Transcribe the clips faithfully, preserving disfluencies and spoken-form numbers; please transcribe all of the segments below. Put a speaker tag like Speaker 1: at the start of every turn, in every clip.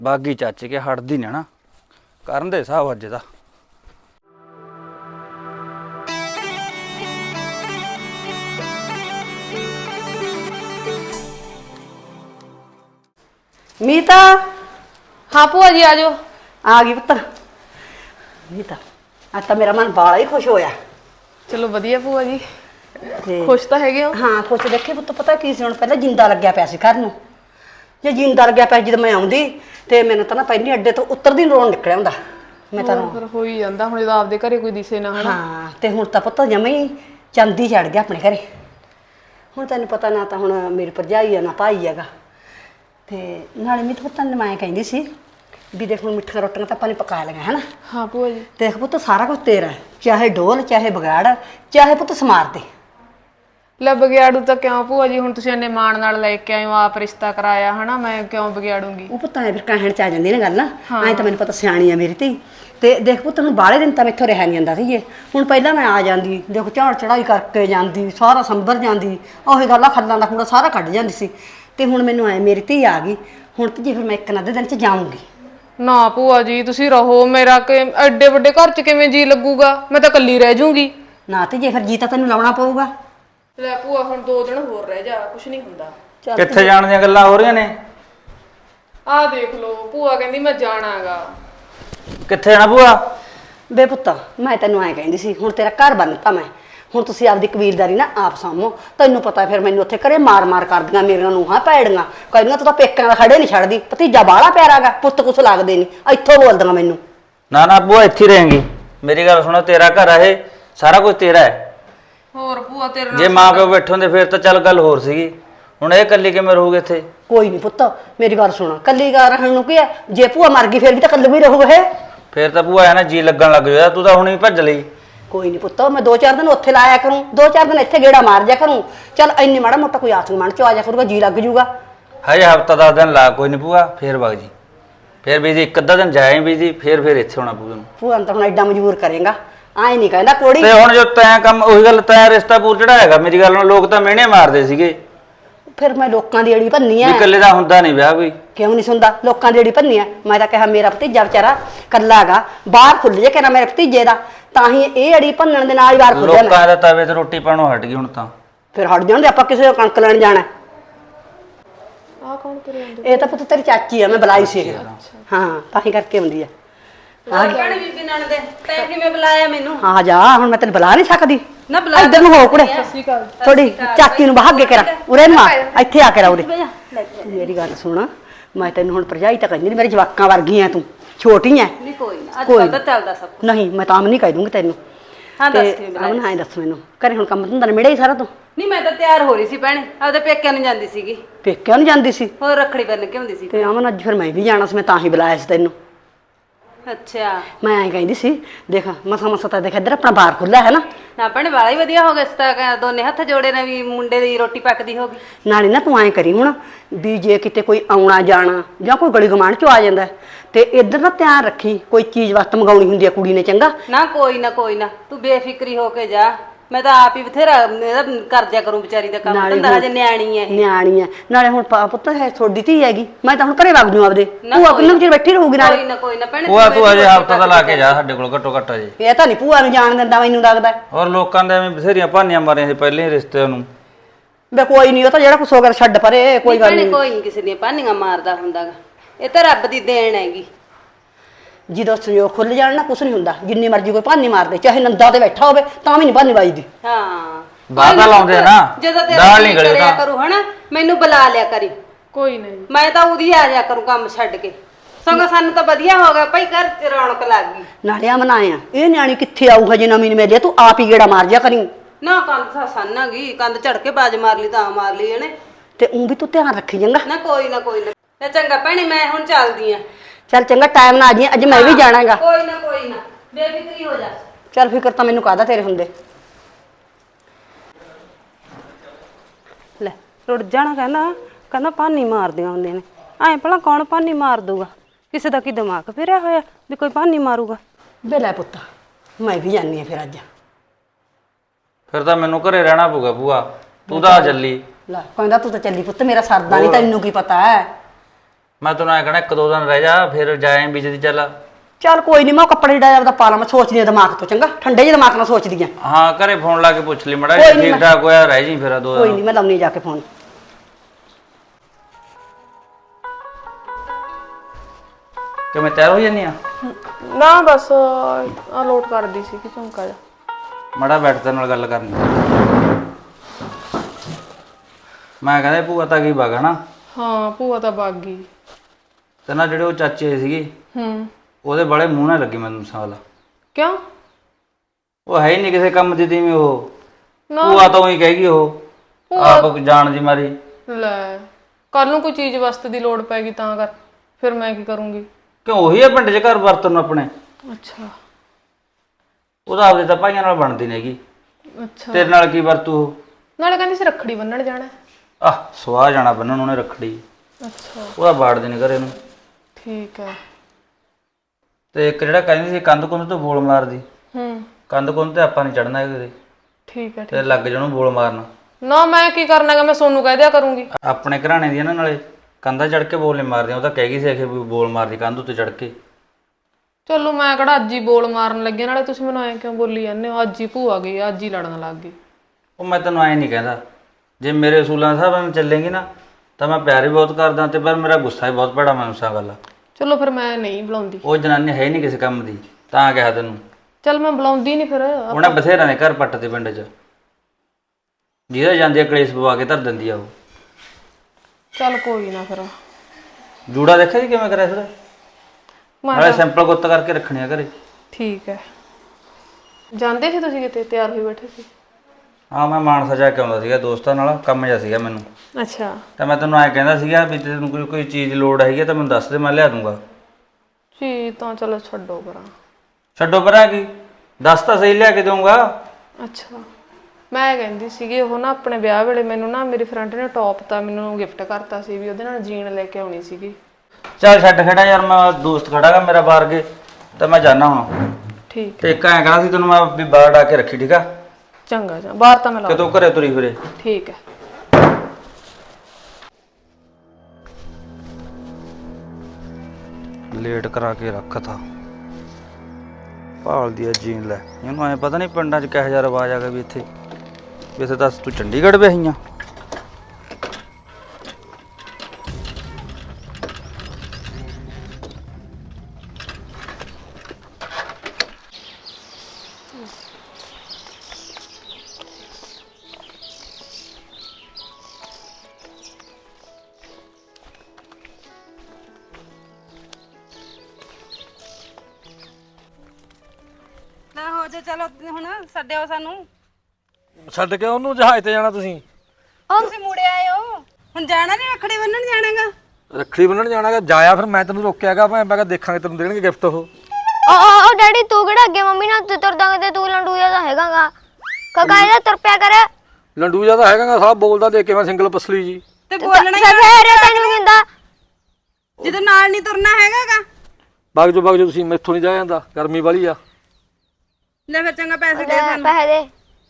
Speaker 1: ਬਾਗੀ ਚਾਚੇ ਕੇ ਹਟਦੀ ਨਾ ਨਾ ਕਰਨ ਦੇ ਹਿਸਾਬ ਅੱਜ ਦਾ।
Speaker 2: मीता
Speaker 3: हाँ भूआ जी आ जाओ।
Speaker 2: आ गई पुत्र। मीता आज तो मेरा मन बाला ही खुश होया।
Speaker 3: चलो वधिया भूआ जी,
Speaker 2: ते
Speaker 3: खुश तो हैगे हो?
Speaker 2: हाँ खुश। देखे पुत्त पता की सी हुण पहले जिंदा लग्या पिया सी घर नूं, जे जिंदा लग्या पिया जद मैं आउंदी ते मैनूं तां ना पहिली अड्डे तो उतरदी रोण निकलिया हुंदा। मैं तां
Speaker 3: फिर हो ही जांदा हुण जद आपदे घरे कोई दिसे ना हना।
Speaker 2: हाँ ते हुण तां पुत्त जमे ही चंद ही चढ़ गया अपने घरे। हुण तैनूं पता ना तां हुण मेरी भरजाई है ना भाई हैगा। ते नाले मिठ पुत्त ने मैं कहंदी सी भी देख हुण मिठियां रोटियां तां आपां ने पका लियां है ना।
Speaker 3: हाँ भूआ जी।
Speaker 2: देख पुत्त सारा कुछ तेरा है, चाहे डोल चाहे बगाड़ चाहे पुत्त समार दे।
Speaker 3: ਲੈ ਬਗਿਆੜੂ ਤਾਂ ਕਿਉਂ ਭੂਆ ਜੀ, ਹੁਣ ਤੁਸੀਂ ਇੰਨੇ ਮਾਣ ਨਾਲ ਲੈ ਕੇ ਆਏ ਹੋ, ਆਪ ਰਿਸ਼ਤਾ ਕਰਾਇਆ ਹਨਾ, ਮੈਂ ਕਿਉਂ ਬਗਿਆੜੂੰਗੀ?
Speaker 2: ਉਹ ਪੁੱਤ ਐ ਫਿਰ ਕਹਿਣ ਚ ਆ ਜਾਂਦੀ ਨਾ ਗੱਲ ਨਾ। ਐਂ ਤਾਂ ਮੈਨੂੰ ਪਤਾ ਸਿਆਣੀ ਆ ਮੇਰੀ ਧੀ। ਤੇ ਦੇਖ ਪੁੱਤ ਨੂੰ ਬਾਹਲੇ ਦਿਨ ਤਾਂ ਮੈਥੋਂ ਰਿਹਾ ਨਹੀਂ ਜਾਂਦਾ ਸੀ ਜੇ। ਹੁਣ ਪਹਿਲਾਂ ਮੈਂ ਆ ਜਾਂਦੀ, ਦੇਖ ਝਾੜ ਚੜਾਈ ਕਰਕੇ ਜਾਂਦੀ, ਸਾਰਾ ਸੰਭਰ ਜਾਂਦੀ, ਉਹੀ ਗੱਲਾਂ ਖੱਲਾਂ ਦਾ ਕੂੜਾ ਸਾਰਾ ਕੱਢ ਜਾਂਦੀ ਸੀ। ਤੇ ਹੁਣ ਮੈਨੂੰ ਐ ਮੇਰੀ ਧੀ ਆ ਗਈ, ਹੁਣ ਤੇ ਜੇ ਫਿਰ ਮੈਂ ਇੱਕ ਨਾ ਅੱਧੇ ਦਿਨ ਚ ਜਾਊਂਗੀ।
Speaker 3: ਨਾ ਭੂਆ ਜੀ ਤੁਸੀਂ ਰਹੋ, ਮੇਰਾ ਕਿ ਐਡੇ ਵੱਡੇ ਘਰ ਚ ਕਿਵੇਂ ਜੀ ਲੱਗੂਗਾ, ਮੈਂ ਤਾਂ ਇਕੱਲੀ ਰਹਿ ਜਾਊਂਗੀ।
Speaker 2: ਨਾ ਤੇ ਜੇ ਫਿਰ ਜੀ ਤਾਂ ਤੈਨੂੰ ਲਾਉਣਾ ਪਊਗਾ।
Speaker 3: ਲੈ ਭੂਆ ਹੁਣ ਦੋ ਦਿਨ ਹੋਰ ਰਹਿ ਜਾ, ਕੁਛ ਨਹੀਂ ਹੁੰਦਾ।
Speaker 1: ਕਿੱਥੇ ਜਾਣ ਦੀਆਂ ਗੱਲਾਂ ਹੋ ਰਹੀਆਂ ਨੇ?
Speaker 3: ਆਹ ਦੇਖ ਲਓ ਭੂਆ ਕਹਿੰਦੀ ਮੈਂ ਜਾਣਾਗਾ।
Speaker 1: ਕਿੱਥੇ ਜਾਣਾ ਭੂਆ?
Speaker 2: ਬੇ ਪੁੱਤ ਮੈਂ ਤੈਨੂੰ ਐਂ ਕਹਿੰਦੀ ਸੀ, ਹੁਣ ਤੇਰਾ ਘਰ ਬਣਤਾ ਮੈਂ, ਹੁਣ ਤੁਸੀਂ ਆਪਦੀ ਕਬੀਲਦਾਰੀ ਨਾ ਆਪ ਸਾਂਭੋ। ਤੈਨੂੰ ਪਤਾ ਫਿਰ ਮੈਨੂੰ ਉੱਥੇ ਘਰੇ ਮਾਰ ਮਾਰ ਕਰਦੀਆਂ ਮੇਰੀਆਂ ਨੂੰਹਾਂ ਭੈੜੀਆਂ, ਕਹਿੰਦੀਆਂ ਤੂੰ ਤਾਂ ਪੇਕਿਆਂ ਦਾ ਖੜੇ ਨਹੀਂ ਛੱਡਦੀ, ਭਤੀਜਾ ਬਾਹਲਾ ਪਿਆਰਾ ਗਾ, ਪੁੱਤ ਕੁਛ ਲੱਗਦੇ ਨਹੀਂ, ਇੱਥੋਂ ਬੋਲਦੀਆਂ ਮੈਨੂੰ।
Speaker 1: ਨਾ ਨਾ ਭੂਆ ਇੱਥੇ ਰਹੇਂਗੀ। ਮੇਰੀ ਗੱਲ ਸੁਣੋ, ਤੇਰਾ ਘਰ ਆ ਇਹ, ਸਾਰਾ ਕੁਝ ਤੇਰਾ ਹੈ।
Speaker 3: ਹੋਰ ਭੂਆ ਤੇਰੇ ਨਾਲ
Speaker 1: ਜੇ ਮਾਂ ਪਿਓ ਬੈਠੇ ਹੁੰਦੇ ਫਿਰ ਤਾਂ ਚੱਲ ਗੱਲ ਹੋਰ ਸੀਗੀ, ਹੁਣ ਇਹ ਇਕੱਲੀ ਕਿਵੇਂ ਰਹੂਗੀ ਇੱਥੇ?
Speaker 2: ਕੋਈ ਨਹੀਂ ਪੁੱਤ ਮੇਰੀ ਗੱਲ ਸੁਣ, ਕੱਲੀ ਗਾ ਰਹਿਣ ਨੂੰ ਕੀ ਹੈ, ਜੇ ਭੂਆ ਮਰ ਗਈ ਫਿਰ ਵੀ ਤਾਂ ਕੱਲੂ ਹੀ ਰਹੂ ਇਹ।
Speaker 1: ਫਿਰ ਤਾਂ ਭੂਆ ਹੈ ਨਾ ਜੀ ਲੱਗਣ ਲੱਗ ਜਾਇਆ, ਤੂੰ ਤਾਂ ਹੁਣ ਹੀ ਭੱਜ ਲਈ।
Speaker 2: ਕੋਈ ਨਹੀਂ ਪੁੱਤ ਮੈਂ ਦੋ ਚਾਰ ਦਿਨ ਉੱਥੇ ਲਾਇਆ ਕਰੂੰ, ਦੋ ਚਾਰ ਦਿਨ ਇੱਥੇ ਗੇੜਾ ਮਾਰ ਜਾ ਕਰੂੰ, ਚੱਲ ਇੰਨੀ ਮਾੜਾ ਮੋਟਾ ਕੋਈ ਆਸ ਮਨ ਚ ਆ ਜਾ ਕਰੂਗਾ, ਜੀ ਲੱਗ ਜੂਗਾ।
Speaker 1: ਹਜੇ ਹਫਤਾ ਦਸ ਦਿਨ ਲਾ, ਕੋਈ ਨਹੀਂ ਭੂਆ, ਫੇਰ ਵਗ ਜੀ। ਫਿਰ ਵੀ ਜੀ ਇੱਕ ਅੱਧਾ ਦਿਨ ਜਾਏ ਵੀ ਜੀ, ਫਿਰ ਫਿਰ ਇੱਥੇ ਹੋਣਾ ਪਊ।
Speaker 2: ਭੂਆ ਨੂੰ ਤਾਂ ਹੁਣ ਐਡਾ ਮਜਬੂਰ ਕਰੇਗਾ, ਆਏ ਨਹੀਂ ਕਹਿੰਦਾ ਕੋੜੀ।
Speaker 1: ਤੇ ਹੁਣ ਜੋ ਤੈਂ ਕੰਮ ਉਹੀ ਗੱਲ, ਤੈਂ ਰਿਸ਼ਤਾ ਪੂਰ ਚੜਾਏਗਾ। ਮੇਰੀ ਗੱਲ ਨੂੰ ਲੋਕ ਤਾਂ ਮਿਹਣੇ ਮਾਰਦੇ ਸੀਗੇ,
Speaker 2: ਫਿਰ ਮੈਂ ਲੋਕਾਂ ਦੀ ਅੜੀ ਭੰਨੀ
Speaker 1: ਵੀ
Speaker 2: ਆ।
Speaker 1: ਇਕੱਲੇ ਦਾ ਹੁੰਦਾ ਨਹੀਂ ਵਿਆਹ ਕੋਈ।
Speaker 2: ਕਿਉਂ ਨਹੀਂ ਸੁਣਦਾ, ਲੋਕਾਂ ਦੀ ਅੜੀ ਭੰਨੀ ਆ। ਮੈਂ ਤਾਂ ਕਿਹਾ ਮੇਰਾ ਭਤੀਜਾ ਵਿਚਾਰਾ ਕੱਲਾ ਹੈਗਾ, ਬਾਹਰ ਖੁੱਲ ਜੇ ਕਹਿੰਦਾ ਮੇਰੇ ਭਤੀਜੇ ਦਾ, ਤਾਂ ਹੀ ਇਹ ਅੜੀ ਭੰਨਣ ਦੇ ਨਾਲ ਹੀ ਬਾਹਰ ਖੁੱਲਿਆ।
Speaker 1: ਲੋਕਾਂ ਦਾ ਤਵੇ ਤੇ ਰੋਟੀ ਪਾਣੋਂ ਹਟ ਗਈ ਹੁਣ ਤਾਂ।
Speaker 2: ਫਿਰ ਹਟ ਜਾਣਦੇ, ਆਪਾਂ ਕਿਸੇ ਦਾ ਕਣਕ ਲੈਣ ਜਾਣਾ।
Speaker 3: ਆਹ ਕੌਣ ਕਰੇ ਜਾਂਦੇ?
Speaker 2: ਇਹ ਤਾਂ ਪੁੱਤ ਤੇਰੀ ਚਾਚੀ ਆ, ਮੈਂ ਬੁਲਾਈ ਸੀ। ਹਾਂ ਤਾਂ ਹੀ ਕਰਕੇ ਆਉਂਦੀ ਆ।
Speaker 4: ਆ ਗਈ ਬੀਬੀ ਨਣ ਦੇ, ਤੈਂ ਕਿਵੇਂ ਬੁਲਾਇਆ ਮੈਨੂੰ?
Speaker 2: ਆ ਜਾ, ਹੁਣ ਮੈਂ ਤੈਨੂੰ ਬੁਲਾ ਨਹੀਂ ਸਕਦੀ।
Speaker 4: ਨਾ ਬੁਲਾ
Speaker 2: ਇੱਧਰ ਨੂੰ ਹੋ ਕੁੜੇ,
Speaker 3: ਸ੍ਰੀ ਅਕਾਲ।
Speaker 2: ਥੋੜੀ ਚਾਚੀ ਨੂੰ ਬਾਹਰ ਅੱਗੇ ਕਰਾ, ਉਰੇ ਨੂੰ ਆ, ਇੱਥੇ ਆ ਕੇ ਰਾ ਉਰੇ। ਮੇਰੀ ਗੱਲ ਸੁਣ, ਮੈਂ ਤੈਨੂੰ ਹੁਣ ਭਰਜਾਈ ਤਾਂ ਕਹਿੰਦੀ ਨਹੀਂ, ਮੇਰੇ ਜਵਾਕਾਂ ਵਰਗੀ ਆ ਤੂੰ, ਛੋਟੀ ਐ।
Speaker 4: ਨਹੀਂ ਕੋਈ ਨਾ, ਅੱਜ ਕੱਲ ਤਾਂ ਚੱਲਦਾ ਸਭ ਕੁਛ।
Speaker 2: ਨਹੀਂ ਮੈਂ ਤਾਂ ਆਮ ਨਹੀਂ ਕਹਿ ਦੂੰਗੀ ਤੈਨੂੰ।
Speaker 4: ਹਾਂ ਦੱਸ
Speaker 2: ਤੇ
Speaker 4: ਕਿਵੇਂ
Speaker 2: ਆਮ
Speaker 4: ਬੁਲਾਇਆ?
Speaker 2: ਨਾ ਦੱਸ ਮੈਨੂੰ, ਘਰੇ ਹੁਣ ਕੰਮ ਧੰਦਾ ਨਿਬੜਿਆ ਹੀ ਸਾਰਾ ਤੂੰ?
Speaker 4: ਨਹੀਂ ਮੈਂ ਤਾਂ ਤਿਆਰ ਹੋ ਰਹੀ ਸੀ ਭੈਣੇ, ਆਪਦੇ ਪੇਕਿਆਂ ਨੂੰ ਜਾਂਦੀ ਸੀਗੀ।
Speaker 2: ਪੇਕਿਆਂ ਨੂੰ ਜਾਂਦੀ ਸੀ?
Speaker 4: ਹੋਰ ਰੱਖੜੀ ਬੰਨ ਕੇ ਹੁੰਦੀ ਸੀ।
Speaker 2: ਤੇ ਅਮਨ ਅੱਜ ਫਿਰ ਮੈਂ ਵੀ ਜਾਣਾ ਸੀ, ਮੈਂ ਤਾਂ ਹੀ ਬੁਲਾਇਆ ਸੀ ਤੈਨੂੰ।
Speaker 4: ਅੱਛਾ
Speaker 2: ਮੈਂ ਐਂ ਕਹਿੰਦੀ ਸੀ, ਦੇਖ ਮਸਾ ਮਸਾ ਤਾਂ ਦੇਖ ਇੱਧਰ ਆਪਣਾ ਬਾਰ ਖੁੱਲਾ ਹੈ ਨਾ।
Speaker 4: ਨਾ ਭੈਣੇ ਵਾਲਾ ਹੀ ਵਧੀਆ ਹੋ ਗਿਆ, ਇਸ ਤਾਂ ਦੋਨੇ ਹੱਥ ਜੋੜੇ ਨੇ ਵੀ ਮੁੰਡੇ ਦੀ ਰੋਟੀ ਪੱਕਦੀ ਹੋ ਗਈ।
Speaker 2: ਨਾਲੇ ਨਾ ਤੂੰ ਐਂ ਕਰੀ ਹੁਣ ਵੀ ਜੇ ਕਿਤੇ ਕੋਈ ਆਉਣਾ ਜਾਣਾ ਜਾਂ ਕੋਈ ਗਲੀ ਗਮਾਂਡ ਚੋਂ ਆ ਜਾਂਦਾ ਤੇ ਇੱਧਰ ਨਾ ਧਿਆਨ ਰੱਖੀ, ਕੋਈ ਚੀਜ਼ ਵਸਤ ਮੰਗਾਉਣੀ ਹੁੰਦੀ ਆ ਕੁੜੀ ਨੇ, ਚੰਗਾ?
Speaker 4: ਨਾ ਕੋਈ ਨਾ ਕੋਈ ਨਾ, ਤੂੰ ਬੇਫਿਕਰੀ ਹੋ ਕੇ ਜਾ, ਮੈਂ ਤਾਂ ਆਪ ਹੀ ਬਥੇਰਾ ਇਹਦਾ ਕਰ ਦਿਆ ਕਰੂੰ ਵਿਚਾਰੀ ਦਾ ਕੰਮ ਧੰਦਾ, ਹਜੇ ਨਿਆਣੀ ਐ ਇਹ।
Speaker 2: ਨਿਆਣੀ ਐ ਨਾਲੇ, ਹੁਣ ਪ- ਪੁੱਤ ਹੈ ਤੁਹਾਡੀ ਧੀ ਹੈਗੀ, ਮੈਂ ਤਾਂ ਹੁਣ ਘਰੇ ਵਗ ਜੂ ਆਪਦੇ।
Speaker 4: ਨਾ
Speaker 2: ਭੂਆ
Speaker 4: ਕੋਈ
Speaker 2: ਕਿੰਨੇ ਚਿਰ ਬੈਠੀ ਰਹੂਗੀ ਨਾਲੇ?
Speaker 4: ਕੋਈ ਨਾ ਕੋਈ ਨਾ ਭੈਣੇ,
Speaker 1: ਭੂਆ ਤੂੰ ਅਜੇ
Speaker 4: ਰੋਟੀ
Speaker 1: ਹਫਤਾ ਤਾਂ ਲਾ ਕੇ ਜਾ ਸਾਡੇ ਕੋਲ ਘੱਟੋ ਘੱਟ ਅਜੇ।
Speaker 2: ਇਹ ਤਾਂ ਨਹੀਂ ਭੂਆ ਨੂੰ ਜਾਣ ਦਿੰਦਾ ਮੈਨੂੰ ਲੱਗਦਾ।
Speaker 1: ਔਰ ਲੋਕਾਂ ਦੇ ਐਵੇਂ ਬਥੇਰੀਆਂ ਭਾਨੀਆਂ ਮਾਰੀਆਂ ਸੀ ਪਹਿਲੇ ਹੀ ਰਿਸ਼ਤੇ ਨੂੰ।
Speaker 2: ਬੇ ਕੋਈ ਨਹੀਂ, ਉਹ ਤਾਂ ਜਿਹੜਾ ਕੁਛ ਹੋ ਗਿਆ ਛੱਡ ਪਰੇ, ਕੋਈ ਗੱਲ
Speaker 4: ਭੈਣੇ
Speaker 2: ਨਹੀਂ।
Speaker 4: ਕੋਈ ਨੀ ਕਿਸੇ ਦੀਆਂ ਭਾਨੀਆਂ ਮਾਰਦਾ ਹੁੰਦਾਗਾ, ਇਹ ਤਾਂ ਰੱਬ ਦੀ ਦੇਣ ਹੈਗੀ।
Speaker 2: ਜਦੋਂ ਸੰਯੋਗ ਖੁੱਲ ਜਾਣ ਨਾ ਕੁਛ ਨਹੀਂ ਹੁੰਦਾ, ਜਿੰਨੀ ਮਰਜ਼ੀ ਕੋਈ ਭਾਨੀ ਮਾਰ ਦੇ, ਚਾਹੇ ਨੰਦਾ ਤੇ ਬੈਠਾ ਹੋਵੇ ਤਾਂ ਵੀ ਨਹੀਂ ਭਾਨੀ ਵੱਜਦੀ।
Speaker 4: ਹਾਂ
Speaker 1: ਬਾਹਰ ਤਾਂ ਲਾਉਂਦੇ ਆ ਨਾ,
Speaker 4: ਜਦੋਂ
Speaker 1: ਦਾਲ ਨਹੀਂ
Speaker 4: ਤੇਰਾ
Speaker 1: ਗਲੇ
Speaker 4: ਕਰਿਆ
Speaker 1: ਤਾਂ।
Speaker 4: ਕਰੂ ਹਨਾ, ਮੈਨੂੰ ਬੁਲਾ ਲਿਆ ਕਰੀ,
Speaker 3: ਕੋਈ ਨਹੀਂ।
Speaker 4: ਮੈਂ ਤਾਂ ਉਹਦੀ ਆ ਜਾ ਕਰੂੰ ਕੰਮ ਛੱਡ ਕੇ। ਸਗੋਂ ਸਾਨੂੰ ਤਾਂ ਵਧੀਆ ਹੋ ਗਿਆ ਭਾਈ, ਘਰ ਚ ਰੌਣਕ ਲੱਗ ਗਈ।
Speaker 2: ਨਾਲਿਆ ਮਨਾਇਆ ਇਹ ਨਿਆਣੀ ਕਿੱਥੇ ਆਊ ਹਜੇ ਨਵੀਂ ਨੂੰ ਮਿਲਿਆ, ਤੂੰ ਆਪ ਹੀ ਗੇੜਾ ਮਾਰ ਜਾ ਕਰੀ।
Speaker 4: ਨਾ ਕੰਧ ਤਾਂ ਸੰਨਾਗੀ, ਕੰਧ ਝੜ ਕੇ ਬਾਜ ਮਾਰ ਲਈ ਤਾਂ ਮਾਰ ਲਈ ਇਹਨੇ।
Speaker 2: ਤੇ ਉਹ ਵੀ ਤੂੰ ਧਿਆਨ ਰੱਖੀ ਚੰਗਾ?
Speaker 4: ਨਾ ਕੋਈ ਨਾ ਕੋਈ ਨਾ, ਤੇ ਚੰਗਾ ਭੈਣੇ ਮੈਂ ਹੁਣ ਚੱਲਦੀ ਆ।
Speaker 2: ਚੱਲ ਚੰਗਾ, ਟਾਈਮ ਨਾਲ ਆ ਜੀ, ਅੱਜ ਮੈਂ ਵੀ ਜਾਣਾਗਾ।
Speaker 4: ਕੋਈ ਨਾ ਕੋਈ ਨਾ, ਬੇਫਿਕਰੀ ਹੋ ਜਾ।
Speaker 2: ਚੱਲ ਫਿਕਰ ਤਾਂ ਮੈਨੂੰ ਕਾਹਦਾ ਤੇਰੇ ਹੁੰਦੇ।
Speaker 5: ਲੈ ਰੁੜ ਜਾਣਾ, ਕਹਿੰਦਾ ਕਹਿੰਦਾ ਭਾਨੀ ਮਾਰਦੀਆਂ ਹੁੰਦੇ ਨੇ। ਐਂ ਭਲਾ ਕੌਣ ਭਾਨੀ ਮਾਰ ਦੂਗਾ? ਕਿਸੇ ਦਾ ਕੀ ਦਿਮਾਗ ਫਿਰਿਆ ਹੋਇਆ ਵੀ ਕੋਈ ਭਾਨੀ ਮਾਰੂਗਾ?
Speaker 2: ਬੇ ਲੈ ਪੁੱਤ, ਮੈਂ ਵੀ ਜਾਣੀ ਆ ਫਿਰ ਅੱਜ।
Speaker 1: ਫਿਰ ਤਾਂ ਮੈਨੂੰ ਘਰੇ ਰਹਿਣਾ ਪਊਗਾ ਭੂਆ, ਤੂੰ ਤਾਂ ਆ ਚੱਲੀ।
Speaker 2: ਲੈ ਕਹਿੰਦਾ ਤੂੰ ਤਾਂ ਚੱਲੀ ਪੁੱਤ, ਮੇਰਾ ਸਰਦਾ ਨਹੀਂ, ਤੈਨੂੰ ਕੀ ਪਤਾ ਹੈ?
Speaker 1: ਮੈਂ ਤੈਨੂੰ ਐ ਕਹਣਾ ਇੱਕ ਦੋ ਦਿਨ ਰਹਿ ਜਾ ਫਿਰ ਜਾਏ ਵੀ ਜਦੀ ਚੱਲ।
Speaker 2: ਚੱਲ ਕੋਈ ਨਹੀਂ, ਮੈਂ ਉਹ ਕੱਪੜੇ ਜਿਹੜਾ ਆਪਦਾ ਪਾ ਲਾਂ, ਮੈਂ ਸੋਚਦੀ ਆ ਦਿਮਾਗ ਤੋਂ, ਚੰਗਾ ਠੰਡੇ ਜਿਹੇ ਦਿਮਾਗ ਨਾਲ ਸੋਚਦੀ ਆ।
Speaker 1: ਹਾਂ ਘਰੇ ਫੋਨ ਲਾ ਕੇ ਪੁੱਛ ਲਈ ਮੜਾ
Speaker 2: ਕੋਈ ਨੀ
Speaker 1: ਠੀਕ
Speaker 2: ਮੈਂ-
Speaker 1: ਠਾਕ ਹੋਇਆ ਰਹਿ ਜੀ ਫਿਰ ਦੋ
Speaker 2: ਕੋਈ
Speaker 1: ਦਿਨ।
Speaker 2: ਨਹੀਂ, ਮੈਂ ਲਾਉਣੀ ਜਾ ਕੇ ਫੋਨ।
Speaker 1: ਕਿਵੇਂ ਤਿਆਰ ਹੋ ਜਾਨੀ ਆ?
Speaker 3: ਨਾ ਬਸ ਆ ਲੋਟ ਕਰਦੀ ਸੀ ਕਿ ਝੁਮਕਾ ਜਾ।
Speaker 1: ਮੜਾ ਬੈਠ ਤੇ ਨਾਲ ਗੱਲ ਕਰਨੀ। ਮੈਂ ਕਹਿੰਦਾ ਭੂਆ ਤਾਂ ਕੀ ਵਗ ਹਨਾ।
Speaker 3: ਹਾਂ ਭੂਆ ਤਾਂ ਵਗ ਗਈ।
Speaker 1: ਤੇ ਨਾ ਜਿਹੜੇ ਉਹ ਚਾਚੇ ਸੀਗੇ
Speaker 3: ਹੂੰ
Speaker 1: ਉਹਦੇ ਬੜੇ ਮੂੰਹ ਨਾਲ ਲੱਗੀ ਮੈਨੂੰ ਸਾਲ।
Speaker 3: ਕਿਉਂ?
Speaker 1: ਉਹ ਹੈ ਹੀ ਨਹੀਂ ਕਿਸੇ ਕੰਮ ਦੀ ਤੀਵੀਂ ਉਹ।
Speaker 3: ਨਾ
Speaker 1: ਭੂਆ ਤਾਂ ਉਹੀ ਕਹੇਗੀ ਉਹ ਆਪ ਜਾਣ ਦੀ ਮਾਰੀ।
Speaker 3: ਲੈ ਕੱਲ ਨੂੰ ਕੋਈ ਚੀਜ਼ ਵਸਤ ਦੀ ਲੋੜ ਪੈਗੀ ਤਾਂ ਕਰ, ਫਿਰ ਮੈਂ ਕੀ ਕਰੂੰਗੀ?
Speaker 1: ਕਿਉਂ ਉਹੀ ਆ ਪਿੰਡ 'ਚ ਘਰ ਵਰਤਨ ਨੂੰ ਆਪਣੇ।
Speaker 3: ਅੱਛਾ
Speaker 1: ਉਹਦਾ ਆਪਦੇ ਤਾਂ ਭਾਈਆਂ ਨਾਲ ਬਣਦੀ ਨੀ ਹੈਗੀ।
Speaker 3: ਅੱਛਾ।
Speaker 1: ਤੇਰੇ ਨਾਲ ਕੀ ਵਰਤੂ ਉਹ?
Speaker 3: ਨਾਲੇ ਕਹਿੰਦੀ ਸੀ ਰੱਖੜੀ ਬੰਨਣ ਜਾਣਾ।
Speaker 1: ਆਹ ਸਵਾਹ ਜਾਣਾ ਬੰਨਣ ਉਹਨੇ ਰੱਖੜੀ।
Speaker 3: ਅੱਛਾ
Speaker 1: ਉਹਦਾ ਬਾੜਦੇ ਨੇ ਘਰੇ ਨੂੰ।
Speaker 3: ਠੀਕ ਹੈ।
Speaker 1: ਤੇ ਇੱਕ ਜਿਹੜਾ ਕਹਿੰਦੀ ਸੀ ਕੰਧ ਕੁੰਧ ਤੋਂ ਬੋਲ ਮਾਰਦੀ,
Speaker 3: ਹੂੰ
Speaker 1: ਕੰਧ ਕੁੰਧ ਤੇ ਆਪਾਂ ਨਹੀਂ ਚੜਨਾ ਹੈਗੇ
Speaker 3: ਠੀਕ ਹੈ।
Speaker 1: ਤੇ ਲੱਗ ਜਾਣੂ ਬੋਲ ਮਾਰਨ।
Speaker 3: ਨਾ ਮੈਂ ਕੀ ਕਰਨਾਗਾ, ਮੈਂ ਸੋਨੂੰ ਕਹਿ ਦਿਆ ਕਰੂੰਗੀ।
Speaker 1: ਆਪਣੇ ਘਰਾਣੇ ਦੀ ਨਾ ਨਾਲੇ ਕੰਧਾਂ ਚੜ ਕੇ ਬੋਲ ਨਹੀਂ ਮਾਰਦੀਆਂ। ਉਹ ਤਾਂ ਕਹਿ ਗਈ ਸੀ ਆਖੇ ਵੀ ਬੋਲ ਮਾਰਦੀ ਕੰਧ ਉੱਤੇ ਚੜ ਕੇ।
Speaker 3: ਚਲੋ ਮੈਂ ਕਿਹੜਾ ਅੱਜ ਹੀ ਬੋਲ ਮਾਰਨ ਲੱਗੀ, ਨਾਲੇ ਤੁਸੀਂ ਮੈਨੂੰ ਐਂ ਕਿਉਂ ਬੋਲੀ ਜਾਂਦੇ ਹੋ? ਅੱਜ ਹੀ ਭੂਆ ਗਈ, ਅੱਜ ਹੀ ਲੜਨ ਲੱਗ ਗਈ।
Speaker 1: ਉਹ ਮੈਂ ਤੈਨੂੰ ਐਂ ਨਹੀਂ ਕਹਿੰਦਾ, ਜੇ ਮੇਰੇ ਅਸੂਲਾਂ ਹਿਸਾਬ ਨਾਲ ਚੱਲੇਗੀ ਨਾ ਤਾਂ ਮੈਂ ਪਿਆਰ ਵੀ ਬਹੁਤ ਕਰਦਾ ਤੇ ਪਰ ਮੇਰਾ ਗੁੱਸਾ ਵੀ ਬਹੁਤ ਭੈੜਾ ਮੈਨੂੰ ਸਾ ਗੱਲ।
Speaker 3: ਚਲੋ ਫਿਰ ਮੈਂ ਨਹੀਂ ਬੁਲਾਉਂਦੀ।
Speaker 1: ਉਹ ਜਨਾਨੀ ਹੈ ਨਹੀਂ ਕਿਸੇ ਕੰਮ ਦੀ ਤਾਂ ਕਿਹਾ ਤੈਨੂੰ।
Speaker 3: ਚਲ ਮੈਂ ਬੁਲਾਉਂਦੀ ਨਹੀਂ ਫਿਰ।
Speaker 1: ਉਹਨੇ ਬਥੇਰਿਆਂ ਦੇ ਘਰ ਪੱਟ ਤੇ ਪਿੰਡ 'ਚ, ਜਿਹਦਾ ਜਾਂਦੀ ਆ ਕਲੇਸ਼ ਪਵਾ ਕੇ ਧਰ ਦਿੰਦੀ ਆ ਉਹ।
Speaker 3: ਚੱਲ ਕੋਈ ਨਾ ਫਿਰ।
Speaker 1: ਜੂੜਾ ਦੇਖਿਆ ਜੀ ਕਿਵੇਂ ਕਰਿਆ ਫਿਰ?
Speaker 3: ਮੈਂ
Speaker 1: ਨਾਲੇ ਸਿੰਪਲ ਗੁੱਤ ਕਰਕੇ ਰੱਖਣੀ ਆ ਘਰੇ।
Speaker 3: ਠੀਕ ਹੈ। ਜਾਂਦੇ ਸੀ ਤੁਸੀਂ ਕਿਤੇ ਤਿਆਰ ਹੋਈ ਬੈਠੇ ਸੀ?
Speaker 1: ਹਾਂ ਮੈਂ ਮਾਨਸਾ ਜਾ ਕੇ ਆਉਂਦਾ ਸੀਗਾ ਦੋਸਤਾਂ ਨਾਲ, ਕੰਮ ਜਿਹਾ ਸੀਗਾ ਮੈਨੂੰ।
Speaker 3: ਅੱਛਾ
Speaker 1: ਤਾਂ ਮੈਂ ਤੈਨੂੰ ਐਂ ਕਹਿੰਦਾ ਸੀਗਾ ਵੀ ਤੈਨੂੰ ਕੋਈ ਕੋਈ ਚੀਜ਼ ਦੀ ਲੋੜ ਹੈਗੀ ਤਾਂ ਮੈਨੂੰ ਦੱਸ ਦੇ, ਮੈਂ ਲਿਆ ਦੂੰਗਾ।
Speaker 3: ਜੀ ਤਾਂ ਚਲੋ ਛੱਡੋ ਪਰਾਂ।
Speaker 1: ਛੱਡੋ ਪਰਾਂ ਕੀ, ਦੱਸ ਤਾਂ ਸਹੀ ਲਿਆ ਕੇ ਦਊਂਗਾ।
Speaker 3: ਅੱਛਾ ਮੈਂ ਕਹਿੰਦੀ ਸੀਗੀ ਉਹ ਨਾ ਆਪਣੇ ਵਿਆਹ ਵੇਲੇ ਮੈਨੂੰ ਨਾ ਮੇਰੀ ਫਰੈਂਡ ਨੇ ਟੌਪ ਤਾਂ ਮੈਨੂੰ ਗਿਫਟ ਕਰਤਾ ਸੀ ਵੀ ਉਹਦੇ ਨਾਲ ਜੀਨ ਲੈ ਕੇ ਆਉਣੀ ਸੀਗੀ।
Speaker 1: ਚੱਲ ਛੱਡ ਖੜਾ ਯਾਰ, ਮੈਂ ਦੋਸਤ ਖੜਾਗਾ ਮੇਰਾ ਬਾਹਰ ਕੇ ਤਾਂ ਮੈਂ ਜਾਣਾ ਹੁਣ।
Speaker 3: ਠੀਕ
Speaker 1: ਤੇ ਇੱਕ ਐਂ ਕਹਿਣਾ ਸੀ ਤੈਨੂੰ ਮੈਂ ਵੀ ਬਾਹਰ ਡਾ ਕੇ ਰੱਖੀ, ਠੀਕ ਆ?
Speaker 3: ਚੰਗਾ ਜਾਂ ਬਾਹਰ ਤਾਂ ਮੈਂ ਲਾ
Speaker 1: ਕਿਤੋਂ ਘਰੇ ਤੁਰੀ ਫਿਰੇ।
Speaker 3: ਠੀਕ ਹੈ।
Speaker 1: ਲੇਟ ਕਰਾ ਕੇ ਰੱਖਤਾ ਭਾਲਦੀ ਆ ਜੀਨ ਲੈ। ਇਹਨੂੰ ਐ ਪਤਾ ਨਹੀਂ ਪਿੰਡਾਂ 'ਚ ਕਿਹੋ ਜਿਹਾ ਰਿਵਾਜ ਆ ਗਿਆ ਵੀ ਇੱਥੇ ਵੈਸੇ ਦੱਸ ਤੂੰ ਚੰਡੀਗੜ੍ਹ ਵਿਆਹੀ ਆ?
Speaker 5: ਨਾ ਹੋ ਜਾ, ਚਲੋ ਹੁਣ ਛੱਡਿਓ ਸਾਨੂੰ।
Speaker 6: ਛੱਡ ਕੇ ਉਹਨੂੰ ਜਹਾਜ਼ ਤੇ ਜਾਣਾ ਤੁਸੀਂ?
Speaker 5: ਤੁਸੀਂ ਮੁੜੇ ਆਏ ਹੋ, ਹੁਣ ਜਾਣਾ ਨਹੀਂ? ਰੱਖੜੀ ਬੰਨਣ ਜਾਣਾਗਾ?
Speaker 6: ਰੱਖੜੀ ਬੰਨਣ ਜਾਣਾਗਾ? ਜਾਇਆ ਫਿਰ ਮੈਂ ਤੈਨੂੰ ਰੋਕਿਆਗਾ, ਮੈਂ ਮੈਂ ਕਿਹਾ ਦੇਖਾਂਗੇ ਤੈਨੂੰ ਦੇਣਗੇ ਗਿਫਟ ਉਹ।
Speaker 7: ਓ ਓ ਡੈਡੀ ਤੂੰ ਕਿਹੜਾ ਅੱਗੇ ਮੰਮੀ ਨਾਲ ਤੁਰਦਾ ਤੇ ਤੂੰ ਲੰਡੂਆ ਦਾ ਹੈਗਾਗਾ। ਕਾਕਾ ਇਹਦਾ ਤੁਰ ਪਿਆ ਕਰ।
Speaker 6: ਲੰਡੂ ਜਿਹਾ ਤਾਂ ਹੈਗਾਗਾ, ਸਾਹ ਬੋਲਦਾ ਦੇਖ ਕੇ ਮੈਂ ਸਿੰਗਲ ਪਸਲੀ ਜੀ।
Speaker 5: ਤੇ ਬੋਲਣਾ ਹੀ
Speaker 7: ਫੇਰ ਤੈਨੂੰ ਕਹਿੰਦਾ
Speaker 5: ਜਦੋਂ ਨਾਲ ਨਹੀਂ ਤੁਰਨਾ ਹੈਗਾਗਾ।
Speaker 6: ਵਗ ਜੋ ਵਗ ਜੋ, ਤੁਸੀਂ ਮੈਥੋਂ ਨਹੀਂ ਜਾ ਜਾਂਦਾ, ਗਰਮੀ ਵਾਲੀ ਆ।
Speaker 5: ਲੈ ਫਿਰ ਚੰਗਾ ਪੈਸੇ ਦੇ ਸਾਨੂੰ।
Speaker 7: ਪੈਸੇ ਦੇ।